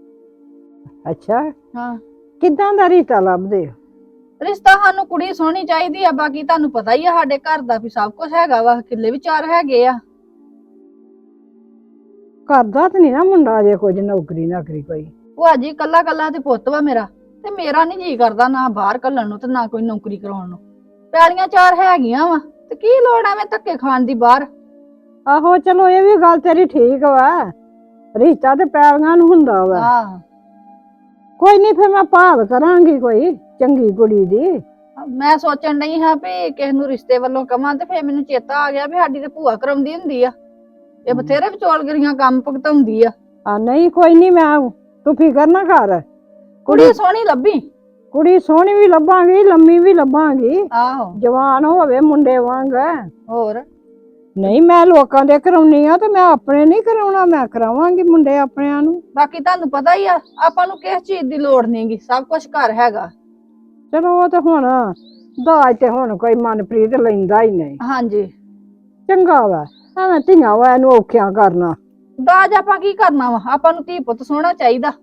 ਅੱਛਾ,
ਹਾਂ
ਕਿੱਦਾਂ ਦਾ ਰਿਸ਼ਤਾ ਲੱਭਦੇ ਹੋ?
ਰਿਸ਼ਤਾ ਸਾਨੂੰ ਕੁੜੀ ਸੋਹਣੀ ਚਾਹੀਦੀ ਆ, ਬਾਕੀ ਤੁਹਾਨੂੰ ਪਤਾ ਹੀ ਆ ਸਾਡੇ ਘਰ ਦਾ ਵੀ ਸਭ ਕੁਝ ਹੈਗਾ ਵਾ, ਕਿੱਲੇ ਵੀ 4 ਹੈਗੇ ਆ।
ਕਰਦਾ ਤੇ ਨਹੀਂ ਨਾ ਮੁੰਡਾ ਜੇ ਕੁਝ ਨੌਕਰੀ ਕੋਈ?
ਭੂਆ ਜੀ ਕੱਲਾ ਕੱਲਾ ਤੇ ਪੁੱਤ ਵਾ ਮੇਰਾ, ਤੇ ਮੇਰਾ ਨਹੀਂ ਜੀ ਕਰਦਾ ਨਾ ਬਾਹਰ ਘੱਲਣ ਨੂੰ ਤੇ ਨਾ ਕੋਈ ਨੌਕਰੀ ਕਰਾਉਣ ਨੂੰ। ਪੈਲੀਆਂ 4 ਹੈਗੀਆਂ ਵਾ ਤੇ ਕੀ ਲੋੜ ਐਵੇਂ ਧੱਕੇ ਖਾਣ ਦੀ ਬਾਹਰ।
ਆਹੋ ਚਲੋ ਇਹ ਵੀ ਗੱਲ ਤੇਰੀ ਠੀਕ ਵਾ, ਰਿਸ਼ਤਾ ਤੇ ਪੈਲੀਆਂ ਨੂੰ ਹੁੰਦਾ ਵਾ।
ਹਾਂ
ਕੋਈ ਨਹੀਂ, ਫਿਰ ਮੈਂ ਭਾਲ ਕਰਾਂਗੀ ਕੋਈ ਚੰਗੀ ਕੁੜੀ ਦੀ।
ਮੈਂ ਸੋਚਣ ਡਈ ਹਾਂ ਵੀ ਕਿਸੇ ਨੂੰ ਰਿਸ਼ਤੇ ਵੱਲੋਂ ਕਵਾਂ, ਤੇ ਫਿਰ ਮੈਨੂੰ ਚੇਤਾ ਆ ਗਿਆ ਵੀ ਸਾਡੀ ਤੇ ਭੂਆ ਕਰਾਉਂਦੀ ਹੁੰਦੀ ਆ, ਇਹ ਬਥੇਰੇ ਵਿਚੋਲਗਰੀਆਂ ਕੰਮ ਭੁਗਤਾਉਂਦੀ ਆ।
ਨਹੀਂ ਕੋਈ ਨਹੀਂ, ਮੈਂ ਤੂੰ ਫਿਕਰ ਨਾ ਕਰ।
ਕੁੜੀ ਸੋਹਣੀ ਲੱਭੀ।
ਕੁੜੀ ਸੋਹਣੀ ਵੀ ਲੱਭਾਂਗੀ, ਲੰਮੀ ਵੀ ਲੱਭਾਂਗੀ,
ਆਹੋ
ਜਵਾਨ ਹੋਵੇ ਮੁੰਡੇ ਵਾਂਗ।
ਹੋਰ
ਨਹੀਂ ਮੈਂ ਲੋਕਾਂ ਦੇ ਕਰਾਉਣੀ ਆ ਤੇ ਮੈਂ ਆਪਣੇ ਨਹੀਂ ਕਰਾਉਣਾ, ਮੈਂ ਕਰਾਵਾਂਗੀ ਮੁੰਡੇ ਆਪਣਿਆਂ ਨੂੰ।
ਬਾਕੀ ਤੁਹਾਨੂੰ ਪਤਾ ਹੀ ਆ, ਆਪਾਂ ਨੂੰ ਕਿਸ ਚੀਜ਼ ਦੀ ਲੋੜ ਨਹੀਂਗੀ, ਸਭ ਕੁਝ ਘਰ ਹੈਗਾ।
ਚਲੋ ਉਹ ਤੇ ਹੁਣ ਦਾਜ ਤੇ ਹੁਣ ਕੋਈ ਮਨਪ੍ਰੀਤ ਲੈਂਦਾ ਹੀ ਨਹੀਂ।
ਹਾਂਜੀ
ਚੰਗਾ ਵਾ, ਐਵੇਂ ਧੀਆਂ ਵਾ ਇਹਨੂੰ ਔਖਿਆਂ ਕਰਨਾ।
ਦਾਜ ਆਪਾਂ ਕੀ ਕਰਨਾ ਵਾ, ਆਪਾਂ ਨੂੰ ਧੀ ਪੁੱਤ ਸੋਹਣਾ ਚਾਹੀਦਾ।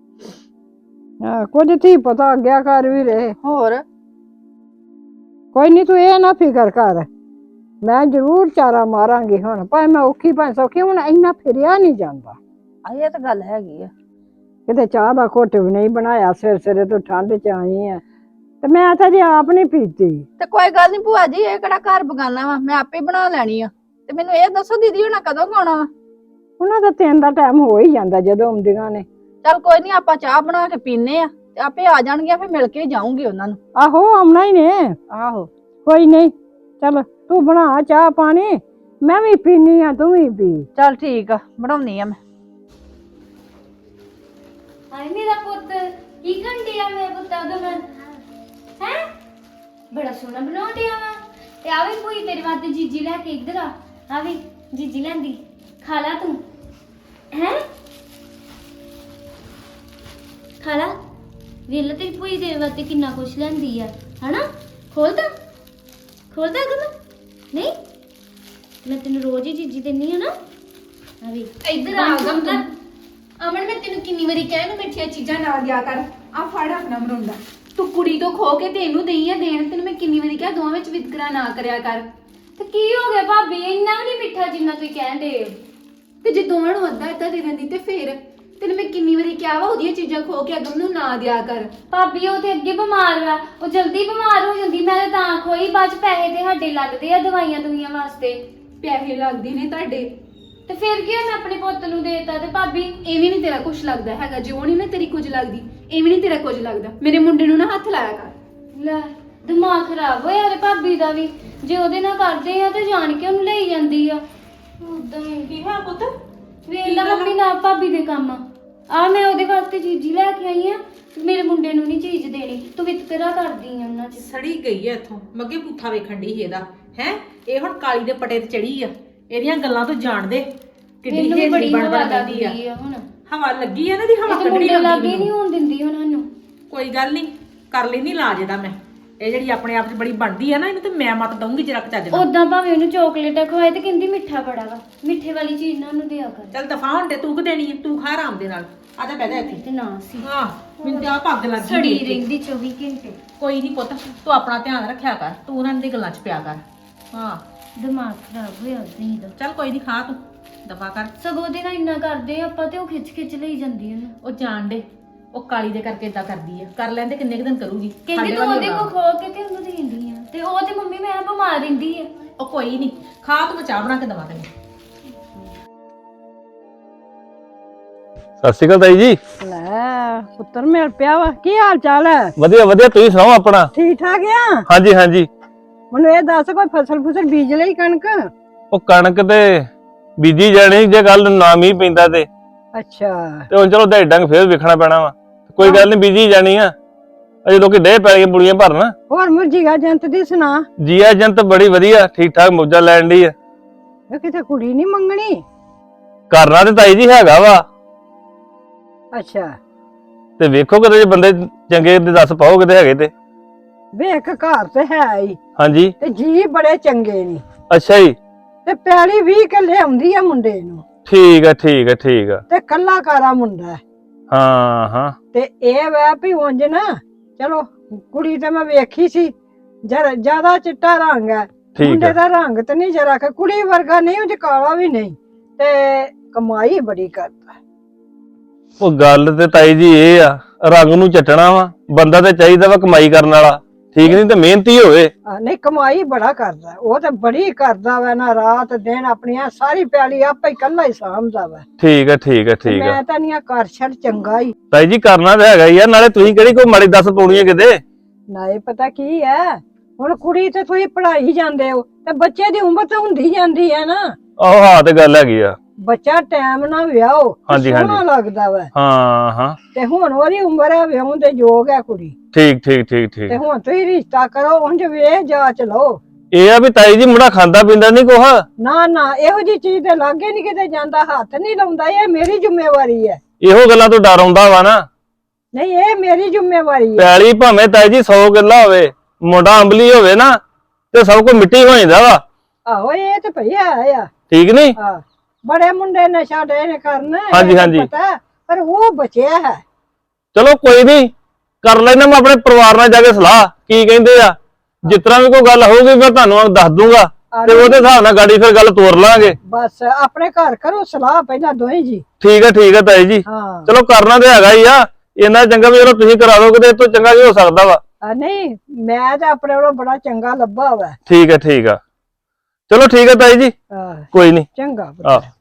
ਕੁਝ ਧੀ ਪਤਾ ਆਗਿਆ ਕਰ ਵੀ ਰਹੇ।
ਹੋਰ
ਕੋਈ ਨਹੀਂ, ਤੂੰ ਇਹ ਨਾ ਫਿਕਰ ਕਰ। ਮੈਂ ਜ਼ਰੂਰ ਚਾਰਾ ਮਾਰਾਂਗੀ ਹੁਣ, ਭਾਵੇਂ ਮੈਂ ਔਖੀ ਭਾਵੇਂ ਸੌਖੀ, ਹੁਣ ਇੰਨਾ ਫਿਰਿਆ ਨਹੀਂ ਜਾਂਦਾ।
ਇਹ ਤਾਂ ਗੱਲ ਹੈਗੀ ਆ।
ਕਿਤੇ ਚਾਹ ਦਾ ਘੁੱਟ ਵੀ ਨਹੀਂ ਬਣਾਇਆ, ਸਿਰੇ ਤੋਂ ਠੰਡ ਚ ਆਈ ਆ ਤੇ ਮੈਂ ਤਾਂ ਜੇ ਆਪ ਨਹੀਂ ਪੀਤੀ।
ਤੇ ਕੋਈ ਗੱਲ ਨਹੀਂ ਭੂਆ ਜੀ, ਇਹ ਕਿਹੜਾ ਘਰ ਬਗਾਨਾ ਵਾ, ਮੈਂ ਆਪੇ ਬਣਾ ਲੈਣੀ ਆ। ਤੇ ਮੈਨੂੰ ਇਹ ਦੱਸੋ ਦੀਦੀ ਹੁਣਾਂ ਕਦੋਂ ਆਉਣਾ ਵਾ?
ਉਹਨਾਂ ਦਾ 3 ਦਾ ਟਾਈਮ ਹੋ ਹੀ ਜਾਂਦਾ ਜਦੋਂ ਆਉਂਦੀਆਂ ਨੇ।
ਚੱਲ ਕੋਈ ਨਹੀਂ, ਆਪਾਂ ਚਾਹ ਬਣਾ ਕੇ ਪੀਨੇ ਆ ਤੇ ਆਪੇ ਆ ਜਾਣਗੀਆਂ, ਫਿਰ ਮਿਲ ਕੇ ਜਾਊਂਗੀ ਉਹਨਾਂ ਨੂੰ।
ਆਹੋ ਆਉਣਾ ਹੀ ਨੇ।
ਆਹੋ
ਕੋਈ ਨਹੀਂ, ਚੱਲ ਤੂੰ ਬਣਾ ਚਾਹ ਪਾਣੀ, ਮੈਂ ਵੀ ਪੀਨੀ ਆ, ਤੂੰ ਵੀ ਪੀ।
ਚੱਲ ਠੀਕ ਆ, ਬਣਾਉਣੀ ਆ ਮੈਂ।
ਹਾਏ ਮੇਰਾ ਪੁੱਤ ਕੀ ਘੰਟਿਆ ਮੇਰਾ ਪੁੱਤ ਉਹਦਾ ਮੈਂ ਹੈ ਬੜਾ ਸੋਹਣਾ ਬਣਾਉਂਦਿਆ ਵਾ। ਤੇ ਆ ਵੀ ਕੋਈ ਤੇਰੇ ਵਾਸਤੇ ਜੀਜੀ ਲੈ ਕੇ ਇੱਧਰ ਆ ਵੀ ਜੀਜੀ ਲੈਂਦੀ, ਖਾ ਲਾ ਤੂੰ ਹੈ, ਖਾ ਲਾ। ਵੇਲਾ ਤੇਰੀ ਭੂਈ ਤੇਰੇ ਵਾਸਤੇ ਕਿੰਨਾ ਕੁਛ ਲੈਂਦੀ ਆ ਹਨਾ। ਖੋਲਦਾ ਗਮ ਨਹੀਂ, ਮੈਂ ਤੈਨੂੰ ਰੋਜ਼ ਹੀ ਜੀਜੀ ਦਿੰਨੀ ਆ ਨਾ। ਆ ਵੀ
ਇੱਧਰ ਆ ਗਮ ਤੂੰ। ਅਮਨ ਮੈਂ ਤੈਨੂੰ ਕਿੰਨੀ ਵਾਰੀ ਕਿਹਾ ਇਹਨੂੰ ਮਿੱਠੀਆਂ ਚੀਜ਼ਾਂ ਨਾ ਦਿਆ ਕਰ। ਆ ਫੜ ਆਪਣਾ ਮਰੁੰਡਾ, ਤੂੰ ਕੁੜੀ ਤੋਂ ਖੋ ਕੇ ਤੇ ਇਹਨੂੰ ਦੇਈ ਆ ਦੇਣ। ਤੈਨੂੰ ਮੈਂ ਕਿੰਨੀ ਵਾਰੀ ਕਿਹਾ ਦੋਵਾਂ ਵਿੱਚ ਵਿਤਕਰਾ ਨਾ ਕਰਿਆ ਕਰ।
ਤੇ ਕੀ ਹੋ ਗਿਆ ਭਾਬੀ, ਇੰਨਾ ਵੀ ਨਹੀਂ ਮਿੱਠਾ ਜਿੰਨਾ ਤੁਸੀਂ ਕਹਿੰਦੇ ਹੋ।
ਤੇ ਜੇ ਦੋਵਾਂ ਨੂੰ ਅੱਧਾ ਅੱਧਾ ਦੇ ਦਿੰਦੀ ਤੇ ਫੇਰ ਤੈਨੂੰ ਮੈਂ ਕਿੰਨੀ ਵਾਰੀ ਕਿਹਾ ਵਾ ਉਹਦੀਆਂ ਚੀਜ਼ਾਂ ਖੋ ਕੇ ਅਗਮ ਨੂੰ ਨਾ ਦਿਆ ਕਰ।
ਭਾਬੀ ਉਹ ਤੇ ਅੱਗੇ ਬਿਮਾਰ ਵਾ, ਉਹ ਜਲਦੀ ਬਿਮਾਰ ਹੋ ਜਾਂਦੀ। ਮੈਂ ਤਾਂ ਖੋਈ, ਬਾਅਦ ਚ ਪੈਸੇ ਤੇ ਸਾਡੇ ਲੱਗਦੇ ਆ ਦਵਾਈਆਂ ਦੁਈਆਂ ਵਾਸਤੇ।
ਪੈਸੇ ਲੱਗਦੇ ਨੇ ਤੁਹਾਡੇ
ਤੇ ਫਿਰ ਕੀ ਮੈਂ ਆਪਣੇ ਪੁੱਤ ਨੂੰ ਦੇਤਾ। ਤੇ ਭਾਬੀ
ਇਹ ਵੀ ਨਹੀਂ ਤੇਰਾ ਕੁਝ ਲੱਗਦਾ ਹੈਗਾ। ਜੇ ਉਹ ਨਹੀਂ ਨਾ ਤੇਰੀ ਕੁਝ ਲੱਗਦੀ, ਇਹ ਵੀ ਨਹੀਂ ਤੇਰਾ ਕੁਝ ਲੱਗਦਾ। ਮੇਰੇ ਮੁੰਡੇ ਨੂੰ ਨਾ ਹੱਥ ਲਾਇਆ ਕਰ।
ਲੈ ਦਿਮਾਗ ਖਰਾਬ ਹੋਇਆ ਤੇ ਭਾਬੀ ਦਾ ਵੀ। ਜੇ ਉਹਦੇ ਨਾਲ ਕਰਦੇ ਆ ਤੇ ਜਾਣ ਕੇ ਉਹਨੂੰ ਲਈ ਜਾਂਦੀ ਆ ਉਦਾਂ ਹੀ।
ਕੀ ਹੋਇਆ ਪੁੱਤ?
ਵੇਖ ਲਾ ਮੰਮੀ ਨਾਲ ਭਾਬੀ ਦੇ ਕੰਮ ਆ। ਮੈਂ ਉਹਦੇ ਵਾਸਤੇ ਚੀਜ਼ੀ ਲੈ ਕੇ ਆਈ ਆ, ਮੇਰੇ ਮੁੰਡੇ ਨੂੰ ਨਹੀਂ ਚੀਜ਼ ਦੇਣੀ। ਤੂੰ ਵਿਤਕਰਾ ਕਰਦੀ ਆ ਉਹਨਾਂ ਚ।
ਸੜੀ ਗਈ ਐ ਇੱਥੋਂ। ਮੱਗੇ ਪੁੱਠਾ ਵੇਖਣ ਦੀ ਇਹਦਾ ਹੈ। ਇਹ ਹੁਣ ਕਾਲੀ ਦੇ ਪਟੇ ਤੇ ਚੜੀ ਆ। ਇਹਦੀਆਂ ਗੱਲਾਂ ਤੋਂ ਜਾਣ ਦੇ ਕਿੱਡੀ
ਮੈਨੂੰ ਵੀ
ਹੇਜਲੀ
ਬੜੀ
ਬਣ
ਹਵਾ
ਬਣ ਪੈਂਦੀ ਆ।
ਲੱਗਦੀ ਆ ਹੁਣ।
ਹਵਾ ਲੱਗੀ ਆ ਨਾ ਦੀ, ਹਵਾ
ਇਹ
ਕੱਢਣੀ
ਮੁੰਡੇ ਲਾਗੇ
ਆਉਂਦੀ
ਨਹੀਂ ਹੋਣ ਦਿੰਦੀ ਉਹਨਾਂ ਨੂੰ।
ਕੋਈ ਗੱਲ ਨਹੀਂ, ਕਰ ਲੈਣੀ ਲਾਜ ਇਹਦਾ ਮੈਂ। ਇਹ ਜਿਹੜੀ ਆਪਣੇ ਆਪ 'ਚ ਬੜੀ ਬਣਦੀ ਆ ਨਾ, ਇਹਨੂੰ ਤੇ ਮੈਂ ਮਤ ਦਊਂਗੀ ਜਰਾ ਚੱਜ ਨਾਲ।
ਉਦਾਂ ਭਾਵੇਂ ਉਹਨੂੰ ਚੋਕਲੇਟਾਂ ਖਵਾਏ ਤੇ ਕਹਿੰਦੀ ਮਿੱਠਾ ਬੜਾ ਵਾ, ਮਿੱਠੇ ਵਾਲੀ ਚੀਜ਼ ਨਾ ਉਹਨੂੰ ਦਿਆ ਕਰ।
ਚੱਲ ਦਫਾ ਹੁਣ ਤੇ ਤੂੰ ਕਿ ਦੇਣੀ ਆ, ਤੂੰ ਖਾ ਆਰਾਮ ਦੇ ਨਾਲ। ਆ ਜਾ ਬਹਿ ਜਾ ਇੱਥੇ।
ਤੇ ਨਾ ਸੀ
ਹਾਂ ਮੈਨੂੰ ਤੇ ਆ ਪੱਗ ਲੱਗ ਗਈ
ਸੜੀ
ਦੇਖ ਕੇ।
ਰਹਿੰਦੀ 24 ਘੰਟੇ।
ਕੋਈ ਨਹੀਂ ਪੁੱਤ, ਤੂੰ ਆਪਣਾ ਧਿਆਨ ਰੱਖਿਆ ਕਰ। ਤੂੰ ਉਹਨਾਂ ਦੀ ਗੱਲਾਂ 'ਚ ਪਿਆ ਕਰ। ਹਾਂ
ਦਿਮਾਗ ਖਰਾਬ ਹੋਇਆ ਨਹੀਂ ਦਾ।
ਚੱਲ ਕੋਈ ਨਹੀਂ, ਖਾ ਤੂੰ ਦਫਾ ਕਰ।
ਸਗੋਂ ਉਹਦੇ ਨਾਲ ਇੰਨਾ ਕਰਦੇ ਆ ਆਪਾਂ ਤੇ ਉਹ ਖਿੱਚ ਲਈ ਜਾਂਦੀ ਉਹਨੂੰ।
ਉਹ ਜਾਣ ਦੇ, ਉਹ ਕਾਲੀ ਦੇ ਕਰਕੇ ਇਦਾਂ ਕਰਦੀ ਆ। ਕਰ ਲੈਂਦੇ, ਕਿੰਨੇ ਕੁ ਦਿਨ ਕਰੂਗੀ।
ਕਹਿੰਦੀ
ਸਾਡੇ
ਤੂੰ
ਵੱਲ
ਉਹਦੇ
ਹੀ
ਕੋ
ਆਉਣਾ।
ਖੋ ਕੇ ਤੇ ਉਹਨੂੰ ਦੇਂਦੀ ਆ। ਤੇ ਉਹ ਤੇ ਮੰਮੀ ਮੈਂ ਬਿਮਾਰ ਰਹਿੰਦੀ ਆ।
ਉਹ ਕੋਈ ਨਹੀਂ, ਖਾ ਤੂੰ, ਮੈਂ ਚਾਹ ਬਣਾ ਕੇ ਦਵਾ ਤੈਨੂੰ।
ਸਤਿ ਸ਼੍ਰੀ ਅਕਾਲ ਤਾਈ ਜੀ।
ਲੈ ਪੁੱਤਰ ਮਿਲ ਪਿਆ ਵਾ, ਕੀ ਹਾਲ ਚਾਲ ਹੈ?
ਵਧੀਆ ਵਧੀਆ, ਤੁਸੀਂ ਸੁਣਾਓ ਆਪਣਾ?
ਠੀਕ ਠਾਕ ਆ।
ਹਾਂਜੀ ਹਾਂਜੀ।
ਮੈਨੂੰ ਇਹ ਦੱਸ, ਕੋਈ ਫਸਲ ਬੀਜ ਲਈ ਕਣਕ?
ਉਹ ਕਣਕ ਤੇ ਬੀਜੀ ਜਾਣੀ, ਜੇ ਗੱਲ ਨਾ ਮੀਂਹ ਪੈਂਦਾ ਤੇ
ਅੱਛਾ
ਹੁਣ ਚਲੋ ਢਾਈ ਡੰਗ ਫੇਰ ਵੇਖਣਾ ਪੈਣਾ ਵਾ। ਕੋਈ ਗੱਲ ਨਹੀਂ, ਬੀਜੀ ਜਾਣੀ ਆ। ਅਜੇ ਲੋਕੀ ਡੇ ਪੈ ਗਏ ਬੁੜੀਆਂ ਭਰਨ।
ਹੋਰ ਮੁਰਜੀਗਾ ਜੰਤ ਦੀ ਸੁਣਾ।
ਜੀਆ ਜੰਤ ਬੜੀ ਵਧੀਆ, ਠੀਕ ਠਾਕ ਮੌਜਾਂ ਲੈਣ ਦੀ ਆ।
ਇਹ ਕਿਤੇ ਕੁੜੀ ਨਹੀਂ ਮੰਗਣੀ?
ਕਰਨਾ ਤੇ ਤਾਈ ਜੀ ਹੈਗਾ ਵਾ,
ਅੱਛਾ
ਤੇ ਵੇਖੋ ਕਿਤੇ ਜੇ ਬੰਦੇ ਚੰਗੇ ਦੇ ਦੱਸ ਪਾਓ ਕਿਤੇ ਹੈਗੇ ਤੇ।
ਵੇਖ ਘਰ ਤੇ ਹੈ ਹੀ,
ਹਾਂਜੀ
ਤੇ ਜੀ ਬੜੇ ਚੰਗੇ ਨੇ,
ਅੱਛਾ ਜੀ,
ਤੇ ਪੈਲੀ 20 ਕਿੱਲੇ ਆਉਂਦੀ ਆ ਮੁੰਡੇ ਨੂੰ,
ਠੀਕ ਆ ਠੀਕ ਆ ਠੀਕ ਆ।
ਤੇ ਕੱਲਾ ਕਾਰਾ ਮੁੰਡਾ ਹੈ।
ਹਾਂ ਹਾਂ
ਤੇ ਇਹ ਵੈ ਵੀ ਉਂਝ ਨਾ, ਚਲੋ ਕੁੜੀ ਤੇ ਮੈਂ ਵੇਖੀ ਸੀ, ਜਿਆਦਾ ਚਿੱਟਾ ਰੰਗ ਹੈ,
ਠੀਕ
ਮੁੰਡੇ
ਆ।
ਦਾ ਰੰਗ ਤੇ ਨਹੀਂ ਜਰਾ ਕਿ ਕੁੜੀ ਵਰਗਾ ਨਹੀਂ, ਉਹ ਕਾਲਾ ਵੀ ਨਹੀਂ, ਤੇ ਕਮਾਈ ਬੜੀ ਕਰਦਾ।
ਉਹ ਗੱਲ ਤੇ ਤਾਈ ਜੀ ਇਹ ਆ, ਰੰਗ ਨੂੰ ਚੱਟਣਾ ਵਾ, ਬੰਦਾ ਤੇ ਚਾਹੀਦਾ ਵਾ ਕਮਾਈ ਕਰਨ ਵਾਲਾ, ਠੀਕ ਨਹੀਂ ਤੇ ਮਿਹਨਤੀ ਹੋਵੇ।
ਨਹੀਂ ਕਮਾਈ ਬੜਾ ਕਰਦਾ, ਉਹ ਤੇ ਬੜੀ ਕਰਦਾ ਵਾ ਨਾ, ਰਾਤ ਦਿਨ ਆਪਣੀਆਂ ਸਾਰੀ ਪੈਲੀ ਆਪੇ ਹੀ ਕੱਲਾ ਹੀ ਸਾਂਭਦਾ ਵਾ।
ਠੀਕ ਆ ਠੀਕ ਆ ਠੀਕ ਆ।
ਮੈਂ ਤਾਂ ਨਹੀਂ ਕਰ ਛੱਡ ਚੰਗਾ ਹੀ।
ਤਾਈ ਜੀ ਕਰਨਾ ਤਾਂ ਹੈਗਾ ਯਾਰ, ਨਾਲੇ ਤੁਸੀਂ ਕਿਹੜੀ ਕੋਈ ਮਾੜੀ ਦੱਸ ਪਾਉਣੀ ਹੈ ਕਿਤੇ।
ਨਾਲੇ ਪਤਾ ਕੀ ਹੈ, ਹੁਣ ਕੁੜੀ ਤੇ ਤੁਸੀਂ ਪੜ੍ਹਾਈ ਜਾਂਦੇ ਹੋ, ਤੇ ਬੱਚੇ ਦੀ ਉਮਰ ਤਾਂ ਹੁੰਦੀ ਜਾਂਦੀ ਹੈ ਨਾ।
ਆਹੋ ਹਾਂ ਤੇ ਗੱਲ ਹੈਗੀ ਆ।
ਬੱਚਾ ਟਾਈਮ ਨਾਲ ਵਿਆਹੋ,
ਹਾਂਜੀ,
ਸੋਹਣਾ
ਹਾਂਜੀ।
ਲੱਗਦਾ ਵਾ।
ਹਾਂ ਹਾਂ
ਤੇ ਹੁਣ ਉਹਦੀ ਉਮਰ ਹੈ ਵਿਆਹਣ ਦੇ ਯੋਗ ਹੈ ਕੁੜੀ,
ਠੀਕ ਠੀਕ ਠੀਕ ਠੀਕ।
ਤੇ ਹੁਣ ਤੁਸੀਂ ਰਿਸ਼ਤਾ ਕਰੋ, ਉਂਝ ਵੇਖ ਜਾਂਚ ਲਓ।
ਇਹ ਆ ਵੀ ਤਾਈ ਜੀ ਮੁੰਡਾ ਖਾਂਦਾ ਪੀਂਦਾ ਨਹੀਂ ਕੁਛ।
ਨਾ ਨਾ ਇਹੋ ਜੀ ਚੀਜ਼ ਦੇ ਲਾਗੇ ਨਹੀਂ ਕਿਤੇ ਜਾਂਦਾ, ਹੱਥ ਨਹੀਂ ਲਾਉਂਦਾ, ਇਹ ਮੇਰੀ ਜ਼ਿੰਮੇਵਾਰੀ ਹੈ।
ਇਹੋ ਗੱਲਾਂ ਤੋਂ ਡਰ ਆਉਂਦਾ ਵਾ ਨਾ।
ਨਹੀਂ ਇਹ ਮੇਰੀ ਜ਼ਿੰਮੇਵਾਰੀ ਹੈ।
ਪੈਲੀ ਭਾਵੇਂ ਤਾਈ ਜੀ 100 ਕਿੱਲਾ ਹੋਵੇ, ਮੁੰਡਾ ਅੰਬਲੀ ਹੋਵੇ ਨਾ, ਤੇ ਸਭ ਕੁਝ ਮਿੱਟੀ ਹੋ ਜਾਂਦਾ ਵਾ,
ਆਹੋ ਇਹ ਤੇ ਭਈ ਹੈ ਆ।
ਠੀਕ ਨਹੀਂ।
ਹਾਂ ਬੜੇ ਮੁੰਡੇ ਨਸ਼ਾ ਡੇ ਨੇ ਕਰਨ,
ਹਾਂਜੀ,
ਇਹ ਤਾਂ
ਹਾਂਜੀ।
ਪਤਾ, ਪਰ ਉਹ ਬਚਿਆ ਹੈ।
ਚਲੋ ਕੋਈ ਨਹੀਂ, ਕਰ ਲੈਣਾ ਮੈਂ ਆਪਣੇ ਪਰਿਵਾਰ ਨਾਲ ਜਾ ਕੇ ਸਲਾਹ, ਕੀ ਕਹਿੰਦੇ ਆ। ਜਿਸ ਤਰ੍ਹਾਂ ਵੀ ਕੋਈ ਗੱਲ ਹੋਊਗੀ ਮੈਂ ਤੁਹਾਨੂੰ ਦੱਸ ਦੂੰਗਾ, ਤੇ ਉਹਦੇ ਹਿਸਾਬ ਨਾਲ ਗਾੜੀ ਫਿਰ ਗੱਲ ਤੋਰ ਲਾਂਗੇ।
ਬਸ ਆਪਣੇ ਘਰ ਕਰੋ ਸਲਾਹ ਪਹਿਲਾਂ ਦੋਵੇਂ ਜੀ।
ਠੀਕ ਹੈ ਤਾਈ ਜੀ।
ਹਾਂ
ਚਲੋ ਕਰਨਾ ਤੇ ਹੈਗਾ ਹੀ ਆ, ਇੰਨਾ ਚੰਗਾ ਵੀ ਜਦੋਂ ਤੁਸੀਂ ਕਰਾ ਦੋਗੇ ਤੇ ਇਹ ਤੋਂ ਚੰਗਾ ਕੀ ਹੋ ਸਕਦਾ ਵਾ।
ਨਹੀਂ ਮੈਂ ਤਾਂ ਆਪਣੇ ਵੱਲੋਂ ਬੜਾ ਚੰਗਾ ਲੱਭਾ ਵਾ।
ਠੀਕ ਆ ਚਲੋ ਠੀਕ ਹੈ ਤਾਈ ਜੀ,
ਹਾਂ
ਕੋਈ ਨਹੀਂ।
ਚੰਗਾ
ਆਹ